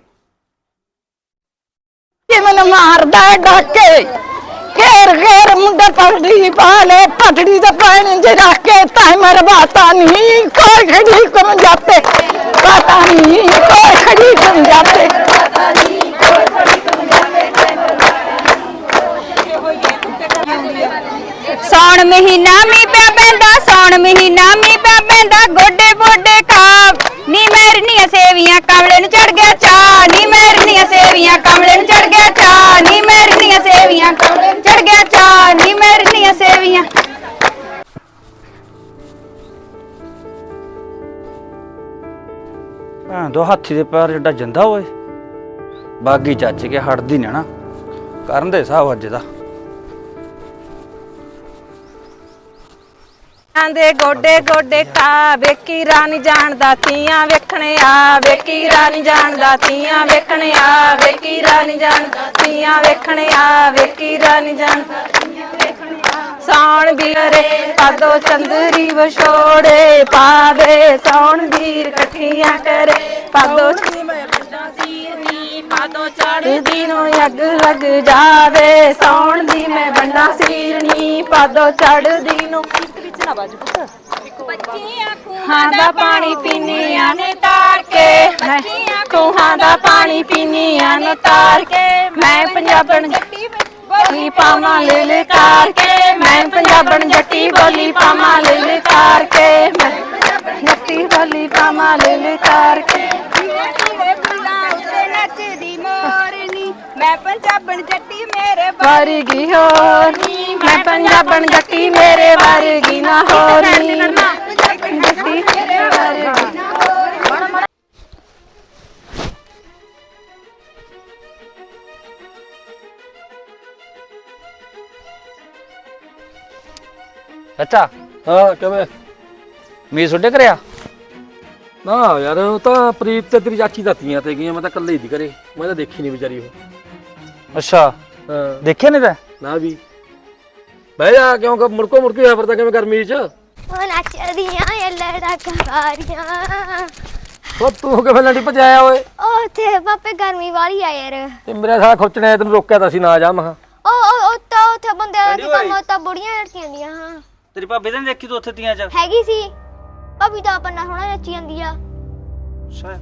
Speaker 10: ਮੈਨੂੰ ਮਾਰਦਾ ਡਾਕੇ, ਘੇਰ ਘੇਰ ਮੁੰਡੇ ਪਗੜੀ ਪਾ ਲੈ, ਪਗੜੀ ਦੇ ਪਾਣੀ ਚ ਰੱਖ ਕੇ ਤਾਂ ਮਰਵਾਤਾ ਨਹੀਂ ਕੋਈ ਖੜੀ ਕਮ ਜਾਤੇ, ਪਤਾ ਨਹੀਂ ਕੋਈ ਖੜੀ ਕਮ ਜਾਤੇ।
Speaker 11: ਸੌਣ ਮਹੀਨਾ ਮੀਂਹ ਪਿਆ ਪੈਂਦਾ, ਸੌਣ ਮਹੀਨਾ ਮੀਂਹ ਪਿਆ ਪੈਂਦਾ, ਗੋਡੇ ਗੋਡੇ ਖਾ ਨੀ ਮੇਰੀਆਂ ਸੇਵੀਆਂ ਕਮਲੇ ਨੂੰ ਚੜ ਗਿਆ ਚਾ, ਨੀ ਮੇਰੀਆਂ ਸੇਵੀਆਂ ਕਮਲੇ ਨੂੰ ਚੜ ਗਿਆ ਚਾ, ਨੀ ਮੇਰੀਆਂ ਸੇਵੀਆਂ ਕਮਲੇ ਨੂੰ ਚੜ ਗਿਆ ਚਾ, ਨੀ ਮੇਰੀਆਂ ਸੇਵੀਆਂ।
Speaker 1: ਹਾਂ ਦੋ ਹਾਥੀ ਦੇ ਪੈਰ ਜਿੱਡਾ ਜੰਦਾ ਓਏ। ਬਾਗੀ ਚੱਜ ਕੇ ਹਟਦੀ ਨਾ ਨਾ ਕਰਨ ਦੇ ਹਿਸਾਬ ਅੱਜ ਦਾ।
Speaker 11: ਆਂਦੇ ਗੋਡੇ ਗੋਡੇ ਖਾ ਵੇਖੀ ਰਾਣੀ ਜਾਣਦਾ ਤੀਆਂ ਵੇਖਣੇ ਆ, ਵੇਖੀ ਰਾਣੀ ਜਾਣਦਾ ਤੀਆਂ ਵੇਖਣੇ ਆ, ਵੇਖੀ ਰਾਣੀ ਜਾਣਦਾ ਤੀਆਂ ਵੇਖਣੇ ਆ, ਵੇਖੀ ਰਾਣੀ ਜਾਣਦਾ ਤੀਆਂ ਵੇਖਣੇ ਆ। ਸੌਣ ਵੀਰੇ ਪਾਦੋ ਚੰਦਰੀ ਵਿਛੋੜੇ ਪਾਵੇ, ਸੌਣ ਵੀਰ ਇਕੱਠੀਆਂ ਕਰੇ ਪਾਦੋ ਪਾਦੋ ਚੜ੍ਹਦੀ ਨੂੰ ਅੱਗ ਲੱਗ ਜਾਵੇ, ਸੌਣ ਦੀ ਮੈਂ ਬੰਨਾ ਸੀਰਨੀ ਪਾਦੋ ਚੜ੍ਹਦੀ ਨੂੰ। ਖੂਹਾਂ ਦਾ ਪਾਣੀ ਪੀਨੀਆਂ ਨੇ ਤਾਰ ਕੇ, ਖੂਹਾਂ ਦਾ ਪਾਣੀ ਪੀਨੀਆਂ ਨੇ ਤਾਰ ਕੇ, ਮੈਂ ਪੰਜਾਬਣ ਜੱਟੀ ਬੋਲੀ ਪਾਵਾਂ ਲਲਕਾਰ ਕੇ, ਮੈਂ ਪੰਜਾਬਣ ਜੱਟੀ ਬੋਲੀ ਪਾਵਾਂ ਲਲਕਾਰ ਕੇ, ਮੈਂ ਜੱਟੀ ਬੋਲੀ ਪਾਵਾਂ ਲਲਕਾਰ ਕੇ। ਨੱਚਦੀ ਮੋਰਨੀ ਮੈਂ ਪੰਜਾਬਣ ਜੱਟੀ ਮੇਰੇ ਵਰਗੀ ਹੋਣੀ, ਮੈਂ ਪੰਜਾਬਣ ਜੱਟੀ ਮੇਰੇ ਵਰਗੀ ਨਾ ਹੋਣੀ, ਜੱਟੀ ਮੇਰੇ ਵਰਗੀ ਨਾ ਹੋਣੀ।
Speaker 1: ਚਾਚਾ
Speaker 6: ਹਾਂ ਕਿਵੇਂ?
Speaker 1: ਮੀ ਛੋਡੇ ਕਰਿਆ
Speaker 6: ਨਾ ਯਾਰ ਉਹ ਤਾਂ ਪ੍ਰੀਤ ਤੇ ਤੇਰੀ ਚਾਚੀ ਦਾ ਤੀਆਂ ਤੇ ਗਈਆਂ, ਮੈਂ ਤਾਂ ਇਕੱਲੇ ਹੀ ਦੀ ਘਰੇ, ਮੈਂ ਤਾਂ ਦੇਖੀ ਨਹੀਂ ਵਿਚਾਰੀ ਉਹ।
Speaker 1: ਅੱਛਾ
Speaker 6: ਹਾਂ
Speaker 1: ਦੇਖਿਆ ਨਹੀਂ ਤੈਂ?
Speaker 6: ਨਾ ਵੀ ਬਹਿ ਜਾ, ਕਿਉਂ ਮੁੜਕੋ ਮੁੜਕੀ ਹੋਇਆ ਫਿਰਦਾ ਕਿਵੇਂ ਗਰਮੀ 'ਚ?
Speaker 7: ਉਹ ਨੱਚਦੀਆਂ ਏ ਲੜਕਾਰੀਆਂ।
Speaker 6: ਉਹ ਤੂੰ ਕਿਵੇਂ ਲੰਡੀ ਭਜਾਇਆ ਓਏ?
Speaker 7: ਉਹ ਤੇ ਪਾਪੇ ਗਰਮੀ ਵਾਲੀ ਆ ਯਾਰ।
Speaker 6: ਤੇ ਮੇਰਾ ਸਾਲਾ ਖੁਰਚਣੇ ਤੈਨੂੰ ਰੋਕਿਆ ਤਾਂ ਸੀ ਨਾ ਜਾ ਮਹਾ।
Speaker 7: ਉਹ ਉਹ ਤਾਂ ਉੱਥੇ ਬੰਦੇ ਦੀ ਕੰਮ ਤਾਂ ਬੁੜੀਆਂ ਲੜਕੀਆਂ ਦੀਆਂ। ਹਾਂ
Speaker 1: ਤੇਰੀ ਭਾਬੀ ਤਾਂ ਨੀ ਦੇਖੀ ਤੂੰ ਉੱਥੇ ਤੀਆਂ ਚ?
Speaker 7: ਹੈਗੀ ਸੀ ਭਾਬੀ ਤਾਂ ਆਪਣਾ ਸੋਹਣਾ ਨੱਚੀ ਜਾਂਦੀ ਆ।
Speaker 1: ਅੱਛਾ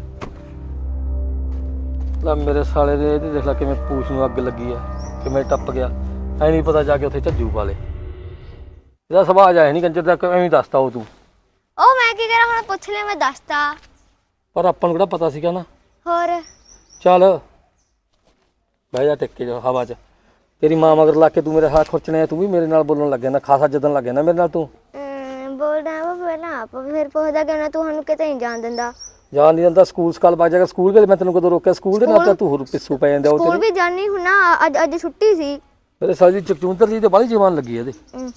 Speaker 6: ਲੈ ਮੇਰੇ ਸਾਲੇ ਦੇ ਇਹਦੀ ਦੇਖ ਲੈ ਕਿਵੇਂ ਪੂਛ ਨੂੰ ਅੱਗ ਲੱਗੀ ਆ, ਕਿਵੇਂ ਟੱਪ ਗਿਆ। ਐ ਨਹੀਂ ਪਤਾ ਜਾ ਕੇ ਉੱਥੇ ਝੱਜੂ ਪਾ ਲੇ। ਇਹਦਾ ਸੁਭਾਅ ਜਾਏ ਨਹੀਂ ਕੰਜਰ ਦਾ, ਐਵੇਂ ਹੀ ਦੱਸਤਾ ਉਹ ਤੂੰ।
Speaker 7: ਉਹ ਮੈਂ ਕੀ ਕਰਾਂ ਹੁਣ, ਪੁੱਛ ਲਿਆ ਮੈਂ ਦੱਸਤਾ।
Speaker 6: ਪਰ ਆਪਾਂ ਨੂੰ ਕਿਹੜਾ ਪਤਾ ਸੀਗਾ ਨਾ।
Speaker 7: ਹੋਰ
Speaker 6: ਚੱਲ ਬਹਿ ਜਾ ਟਿੱਕੇ ਜਾ ਹਵਾ 'ਚ। ਤੇਰੀ ਮਾਂ ਮਗਰ ਲੱਗ ਕੇ ਤੂੰ ਮੇਰੇ ਹੱਥ ਖੁਰਚਣੇ, ਤੂੰ ਵੀ ਮੇਰੇ ਨਾਲ ਬੋਲਣ ਲੱਗ ਗਿਆ ਨਾ, ਖਾਸਾ ਜਦਨ ਲੱਗ ਗਿਆ ਨਾ ਮੇਰੇ ਨਾਲ ਤੂੰ।
Speaker 7: ਬੋਲਦਾ ਵਾ ਪਹਿਲਾਂ ਆਪ ਫਿਰ ਪੁੱਛਦਾ ਕਿ ਨਾ ਤੂੰ ਸਾਨੂੰ ਕਿਤੇ ਨਹੀਂ ਜਾਣ ਦਿੰਦਾ।
Speaker 6: ਜਾਣ ਨਹੀਂ ਦਿੰਦਾ, ਸਕੂਲ ਸਕਾਲ ਵਗ ਜਾਏਗਾ। ਸਕੂਲ ਕੇ ਮੈਂ ਤੈਨੂੰ ਕਦੋਂ ਰੋਕਿਆ? ਸਕੂਲ ਦੇ ਨਾਲ ਤਾਂ ਤੂੰ ਹੋਰ ਪਿੱਛੂ ਪੈ ਜਾਂਦਾ। ਉਹ
Speaker 7: ਸਕੂਲ ਵੀ ਜਾਣੀ ਹੁਣ ਨਾ, ਅੱਜ ਅੱਜ ਛੁੱਟੀ ਸੀ।
Speaker 6: ਮੇਰੇ ਸਾਲੀ ਚਕਚੂੰਤਰ ਜੀ ਤੇ ਬਾਹਲੀ ਜਵਾਨ ਲੱਗੀ ਇਹਦੇ।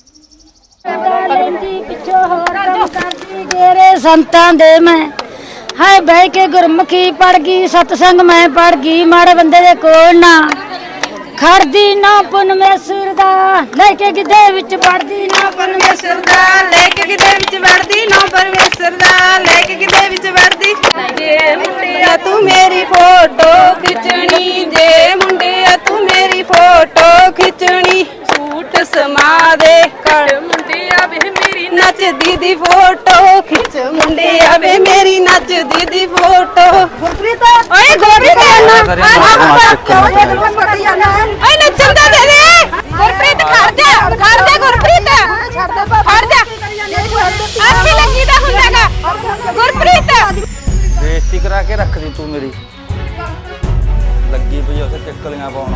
Speaker 10: ਤੇਰੇ ਸੰਤਾਂ ਦੇ ਮੈਂ ਹਾਏ ਬਹਿ ਕੇ ਗੁਰਮੁਖੀ ਪੜ ਗਈ, ਸਤਸੰਗ ਮੈਂ ਪੜ ਗਈ, ਮਾੜੇ ਬੰਦੇ ਦੇ ਕੋਲ ਨਾ ਖੜਦੀ ਨਾ ਪਰਮੇਸ਼ਰ ਦਾ, ਲੈ ਕੇ ਗਿੱਧੇ ਵਿੱਚ ਵੜਦੀ ਨਾ
Speaker 5: ਪਰਮੇਸ਼ਰ ਦਾ, ਲੈ ਕੇ ਕਿਤੇ ਵਿੱਚ ਵੜਦੀ ਨਾ ਪਰਮੇਸ਼ਰ ਦਾ, ਲੈ ਕੇ ਕਿਤੇ ਵਿੱਚ ਵੜਦੀ। ਜੇ ਮੁੰਡਿਆ ਤੂੰ ਮੇਰੀ ਫੋਟੋ ਖਿੱਚਣੀ, ਜੇ ਮੁੰਡਿਆ ਤੂੰ ਮੇਰੀ ਫੋਟੋ ਖਿੱਚਣੀ, ਸੂਟ ਸਮਾ ਦੇ ਕਰ ਮੁੰਡਿਆ ਵੇ ਮੇਰੀ ਨੱਚਦੀ ਦੀ ਫੋਟੋ ਖਿੱਚ, ਮੁੰਡਿਆ ਵੇ ਮੇਰੀ ਨੱਚਦੀ ਦੀ ਫੋਟੋ। ਗੁਰਪ੍ਰੀਤ ਓਏ ਗੁਰਪ੍ਰੀਤ ਓਏ ਨੱਚਣ ਦਾ ਦੇ ਦੇ। ਗੁਰਪ੍ਰੀਤ ਖੜ ਜਾ, ਖੜ ਜਾ ਗੁਰਪ੍ਰੀਤ, ਖੜ ਜਾ। ਅੱਖੀ ਲੱਗੀ ਦਾ ਹੁੰਦਾਗਾ ਗੁਰਪ੍ਰੀਤ।
Speaker 1: ਬੇਇੱਜ਼ਤੀ ਕਰਾ ਕੇ ਰੱਖਦੀ ਤੂੰ ਮੇਰੀ, ਲੱਗੀ ਪਈ ਉੱਥੇ ਟਿੱਕਲੀਆਂ ਪਾਉਣ।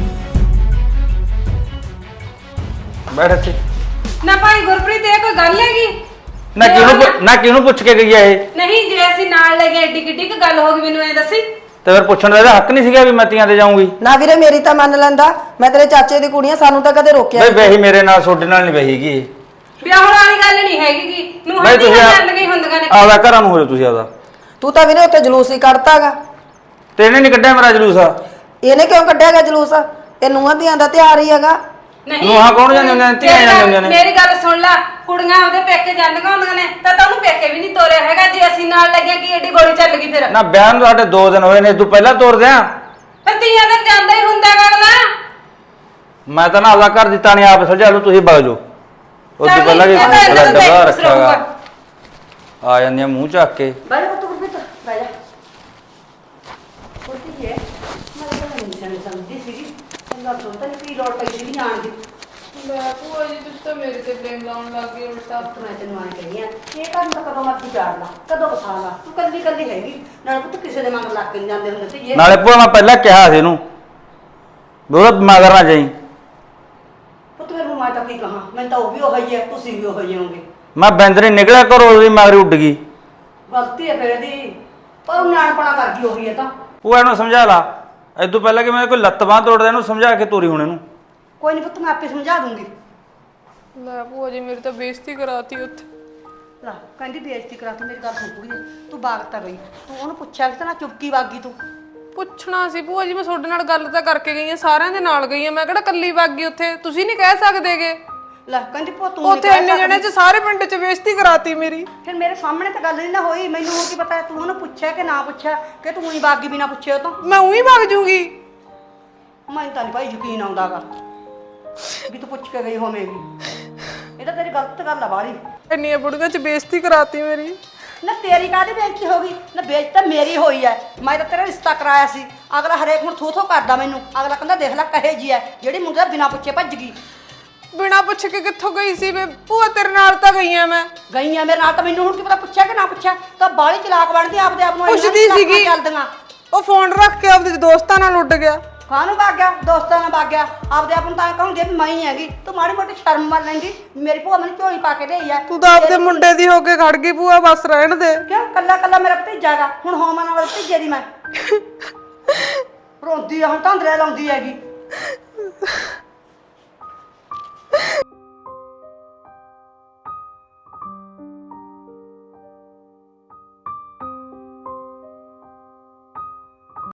Speaker 1: ਬੈਠ ਇੱਥੇ।
Speaker 5: ਨਾ ਭਾਈ ਗੁਰਪ੍ਰੀਤ ਇਹ ਕੋਈ ਗੱਲ ਹੈਗੀ?
Speaker 1: ਨਾ ਕਿਹਨੂੰ ਨਾ ਕਿਹਨੂੰ ਪੁੱਛ ਕੇ ਗਈ ਆ ਇਹ?
Speaker 5: ਨਹੀਂ ਜੇ ਅਸੀਂ ਨਾਲ ਲੈ ਗਏ ਏਡੀ ਕਿੱਡੀ ਕੁ ਗੱਲ ਹੋ ਗਈ, ਮੈਨੂੰ ਐ ਦੱਸੀ।
Speaker 1: ਤੇ ਫਿਰ ਪੁੱਛਣ ਦਾ ਇਹਦਾ ਹੱਕ ਨਹੀਂ ਸੀਗਾ ਵੀ ਮੈਂ ਤੀਆਂ ਤੇ ਜਾਊਂਗੀ?
Speaker 8: ਨਾ ਵੀਰੇ ਮੇਰੀ ਤਾਂ ਮੰਨ ਲੈਂਦਾ, ਮੈਂ ਤੇਰੇ ਚਾਚੇ ਦੀ ਕੁੜੀਆਂ, ਸਾਨੂੰ ਤਾਂ ਕਦੇ ਰੋਕਿਆ
Speaker 1: ਬਈ ਵਹੀ ਮੇਰੇ ਨਾਲ ਤੁਹਾਡੇ ਨਾਲ ਨਹੀਂ ਵਹੀਗੀ।
Speaker 5: ਵਿਆਹਣ ਵਾਲੀ ਗੱਲ ਨਹੀਂ ਹੈਗੀ ਗੀ, ਨੂੰ
Speaker 1: ਬਈ
Speaker 5: ਹੱਥੀ
Speaker 1: ਤੁਸੀਂ
Speaker 5: ਚੱਲ ਗਈ ਹੁੰਦੀਆਂ ਨੇ।
Speaker 1: ਆਪਦਾ ਘਰਾਂ ਨੂੰ ਹੋ ਜਾਓ ਤੁਸੀਂ ਆਪਦਾ।
Speaker 8: ਤੂੰ ਤਾਂ ਵੀਰੇ ਉੱਥੇ ਜਲੂਸ ਹੀ ਕੱਢਤਾਗਾ।
Speaker 1: ਤੇ ਇਹਨੇ ਨਹੀਂ ਕੱਢਿਆ ਮੇਰਾ ਜਲੂਸ?
Speaker 8: ਇਹਨੇ ਕਿਉਂ ਕੱਢਿਆਗਾ ਜਲੂਸ? ਇਹ ਨੂੰਹਾਂ ਧੀਆਂ ਦਾ ਤਿਉਹਾਰ ਹੀ ਹੈਗਾ।
Speaker 5: ਨਹੀਂ
Speaker 1: ਨੂੰਹਾਂ ਕੌਣ ਜਾਂਦੀਆਂ ਹੁੰਦੀਆਂ ਨੇ? ਧੀਆਂ ਜਾਂਦੀਆਂ ਹੁੰਦੀਆਂ ਨੇ।
Speaker 5: ਮੇਰੀ ਗੱਲ ਸੁਣ ਲੈ, ਕੁੜੀਆਂ ਉਹਦੇ ਪੇਕੇ ਜਾਂਦੀਆਂ ਹੁੰਦੀਆਂ ਨੇ ਤਾਂ ਤਾਂ ਉਹਨੂੰ ਪੇਕੇ ਵੀ ਨਹੀਂ ਤੋਰਿਆ ਹੈਗਾ। ਜੇ ਅਸੀਂ ਨਾਲ ਲੱਗਿਆ ਕੀ ਏਡੀ ਗੋਲੀ ਚੱਲ ਗਈ ਫਿਰ?
Speaker 1: ਨਾ ਵਿਆਹ ਨੂੰ ਸਾਡੇ ਦੋ ਦਿਨ ਹੋਏ ਨੇ, ਤੂੰ ਪਹਿਲਾਂ ਤੋਰ ਦਿਆਂ।
Speaker 5: ਫਿਰ ਤੀਆਂ ਤਾਂ ਜਾਂਦਾ ਹੀ ਹੁੰਦਾ ਗਾ ਅਗਲਾ।
Speaker 1: ਮੈਂ ਤਾਂ ਨਾ ਆਪਦਾ ਘਰ ਦਿੱਤਾ ਨਹੀਂ, ਆਪ ਸੁਲਝਾ ਲਓ ਤੁਸੀਂ, ਵਗ ਜਾਓ। ਉਹ ਤੋਂ ਪਹਿਲਾਂ ਵੀ ਡੱਬਾ ਰੱਖਿਆਗਾ, ਆ ਜਾਂਦੀਆਂ ਮੂੰਹ ਚੱਕ ਕੇ।
Speaker 2: ਬਹਿ ਜਾ ਪੁੱਤ ਗੁਰਪ੍ਰੀਤ, ਬਹਿ ਜਾ। ਪੁੱਤੀ ਹੈ ਮੈਂ ਤਾਂ ਨਹੀਂ ਸਮਝ ਸਮਝਦੀ ਸੀਗੀ, ਚੰਗਾ ਤੋਂ ਤਾਂ ਕੀ ਲੋੜ ਪਈ ਸੀ ਜਾਣ ਦੀ।
Speaker 3: ਮੈਂ ਭੂਆ ਜੀ ਤੁਸੀਂ ਤਾਂ ਮੇਰੇ ਤੇ ਬਲੇਮ ਲਾਉਣ ਲੱਗ ਗਏ ਉਲਟਾ।
Speaker 2: ਮੈਂ ਤੈਨੂੰ ਆਣ ਕਹੀ ਆ ਇਹ ਕੰਮ ਤਾਂ ਕਦੋਂ ਮਰਜ਼ੀ ਚਾੜ ਲਾ, ਕਦੋਂ ਵਸਾ ਲਾ, ਤੂੰ ਕੱਲੀ ਕੱਲੀ ਹੈਗੀ ਨਾਲ ਪੁੱਤ, ਕਿਸੇ ਦੇ ਮਗਰ ਲੱਗ ਕੇ ਨਹੀਂ ਜਾਂਦੇ ਹੁੰਦੇ ਸੀ।
Speaker 1: ਨਾਲੇ ਭੂਆ ਮੈਂ ਪਹਿਲਾਂ ਕਿਹਾ ਸੀ ਇਹਨੂੰ ਬਹੁਤ ਮਗਰ ਨਾ ਜਾਈ।
Speaker 2: ਪੁੱਤ ਫਿਰ ਮੈਂ ਤਾਂ ਕੀ ਕਹਾਂ, ਮੈਂ ਤਾਂ ਉਹ ਵੀ ਉਹ ਹੀ ਹੈ, ਤੁਸੀਂ ਵੀ ਉਹ ਹੀ ਹੋਗੇ।
Speaker 1: ਮੈਂ ਬੈਂਦਰੀ ਨਿਕਲਿਆ ਘਰੋਂ, ਉਹਦੀ ਮਗਰ ਉੱਡ ਗਈ।
Speaker 2: ਗਲਤੀ ਹੈ ਫਿਰ ਇਹਦੀ, ਪਰ ਨਿਆਣਪਣਾ ਕਰ ਗਈ ਉਹੀ ਹੈ ਤਾਂ।
Speaker 1: ਭੂਆ ਇਹਨੂੰ ਸਮਝਾ ਲਾ, ਇਦੋਂ ਪਹਿਲਾਂ ਕਿ ਮੈਂ ਕੋਈ ਲੱਤ ਬਾਂਹ ਤੋੜਦਾ ਇਹਨੂੰ ਸਮਝਾ ਕੇ ਤੋਰੀ ਹੁਣ ਇਹਨੂੰ।
Speaker 2: ਕੋਈ ਨਹੀਂ ਪੁੱਤ, ਮੈਂ ਆਪੇ ਸਮਝਾ ਦੂੰਗੀ।
Speaker 3: ਲੈ ਭੂਆ ਜੀ ਮੇਰੀ ਤਾਂ ਬੇਇੱਜ਼ਤੀ ਕਰਾਤੀ ਉੱਥੇ।
Speaker 2: ਲਾ ਕਹਿੰਦੀ ਬੇਇੱਜ਼ਤੀ ਕਰਾ ਤੂੰ, ਮੇਰੀ ਗੱਲ ਸੁਣ ਕੁੜੀਏ, ਤੂੰ ਬਾਗ ਤਾਂ ਗਈ, ਤੂੰ ਉਹਨੂੰ ਪੁੱਛਿਆ ਕਿ ਨਾ ਚੁੱਪਕੀ ਵਾਗੀ ਤੂੰ?
Speaker 3: ਪੁੱਛਣਾ ਸੀ ਭੂਆ ਜੀ, ਮੈਂ ਤੁਹਾਡੇ ਨਾਲ ਗੱਲ ਤਾਂ ਕਰਕੇ ਗਈ ਆ, ਸਾਰਿਆਂ ਦੇ ਨਾਲ ਗਈ ਆ, ਮੈਂ ਕਿਹੜਾ ਕੱਲੀ ਵਗ ਗਈ ਉੱਥੇ? ਤੁਸੀਂ ਨਹੀਂ ਕਹਿ ਸਕਦੇਗੇ।
Speaker 2: ਲੈ ਕਹਿੰਦੀ ਭੋ ਤੂੰ
Speaker 3: ਉੱਥੇ ਇੰਨੇ ਜਣੇ ਚ ਸਾਰੇ ਪਿੰਡ ਚ ਬੇਇੱਜ਼ਤੀ ਕਰਾਤੀ ਮੇਰੀ।
Speaker 2: ਫਿਰ ਮੇਰੇ ਸਾਹਮਣੇ ਤਾਂ ਗੱਲ ਨਹੀਂ ਨਾ ਹੋਈ, ਮੈਨੂੰ ਉਹ ਕੀ ਪਤਾ ਤੂੰ ਉਹਨੂੰ ਪੁੱਛਿਆ ਕਿ ਨਾ ਪੁੱਛਿਆ, ਕਿ ਤੂੰ ਹੀ ਬਾਗੀ ਬਿਨਾ ਪੁੱਛੇ ਉਹ ਤੋਂ?
Speaker 3: ਮੈਂ ਉਹੀ ਵਗ ਜੂਗੀ।
Speaker 2: ਮੈਨੂੰ ਤਾਂ ਨਹੀਂ ਭਾਈ ਯਕੀਨ ਆਉਂਦਾਗਾ ਵੀ ਤੂੰ ਪੁੱਛ ਕੇ ਗਈ ਹੋਵੇਂਗੀ। ਇਹ ਤਾਂ ਤੇਰੀ ਗਲਤ ਗੱਲ ਆ ਬਾਹਲੀ।
Speaker 3: ਇੰਨੀਆਂ ਬੁੜੀਆਂ ਚ ਬੇਇੱਜ਼ਤੀ ਕਰਾਤੀ ਮੇਰੀ।
Speaker 2: ਨਾ ਤੇਰੀ ਕਾਹਦੀ ਬੇਇੱਜ਼ਤੀ ਹੋ ਗਈ? ਨਾ ਬੇਇੱਜ਼ਤੀ ਤਾਂ ਮੇਰੀ ਹੋਈ ਐ, ਮੈਂ ਤਾਂ ਤੇਰਾ ਰਿਸ਼ਤਾ ਕਰਾਇਆ ਸੀ। ਅਗਲਾ ਹਰੇਕ ਹੁਣ ਥੂ ਥੂ ਕਰਦਾ ਮੈਨੂੰ, ਅਗਲਾ ਕਹਿੰਦਾ ਦੇਖ ਲੈ ਕਹੇ ਜੀ ਐ ਜਿਹੜੀ ਮੁੰਡੇ ਦਾ ਬਿਨਾ ਪੁੱਛੇ ਭੱਜ ਗਈ।
Speaker 3: ਬਿਨਾ ਪੁੱਛ ਕੇ ਕਿੱਥੋਂ ਗਈ ਸੀ ਵੇ ਭੂਆ? ਤੇਰੇ ਨਾਲ ਤਾਂ ਗਈ ਆ ਮੈਂ।
Speaker 2: ਗਈ ਆ ਮੇਰੇ ਨਾਲ, ਤਾਂ ਮੈਨੂੰ ਹੁਣ ਕੀ ਪਤਾ ਪੁੱਛਿਆ ਕਿ ਨਾ ਪੁੱਛਿਆ। ਤਾਂ ਬਾਹਲੀ ਚਲਾਕ ਬਣਦੀ ਆਪਦੇ ਆਪ ਨੂੰ,
Speaker 3: ਪੁੱਛਦੀ ਸੀਗੀ।
Speaker 2: ਚੱਲਦੀਆਂ
Speaker 3: ਉਹ ਫੋਨ ਰੱਖ ਕੇ ਆਪਦੇ ਦੋਸਤਾਂ ਨਾਲ ਉੱਡ ਗਿਆ।
Speaker 2: ਕਾਹਨੂੰ ਵਗ ਗਿਆ? ਦੋਸਤਾਂ ਨਾਲ ਵਗ ਗਿਆ। ਆਪਦੇ ਆਪ ਨੂੰ ਤਾਂ ਕਹੂੰਗੀ ਵੀ ਮੈਂ ਹੀ ਹੈਗੀ। ਤੂੰ ਮਾੜੀ ਮੋਟੀ ਸ਼ਰਮ ਮੰਨ ਲੈਂਦੀ, ਮੇਰੀ ਭੂਆ ਮੈਨੂੰ ਝੋਲੀ ਪਾ ਕੇ ਲਈ ਆ।
Speaker 3: ਤੂੰ ਤਾਂ ਆਪਦੇ ਮੁੰਡੇ ਦੀ ਹੋ ਕੇ ਖੜ ਗਈ ਭੂਆ, ਬਸ ਰਹਿਣ ਦੇ।
Speaker 2: ਕਿਉਂ? ਕੱਲਾ ਕੱਲਾ ਮੇਰਾ ਭਤੀਜਾ ਹੈਗਾ, ਹੁਣ ਹੋਵਾਂ ਨਾਲ ਭਤੀਜੇ ਦੀ ਮੈਂ ਰੋਂਦੀ ਆ, ਹੁਣ ਧਾਂਦਰੇ ਲਾਉਂਦੀ ਹੈਗੀ।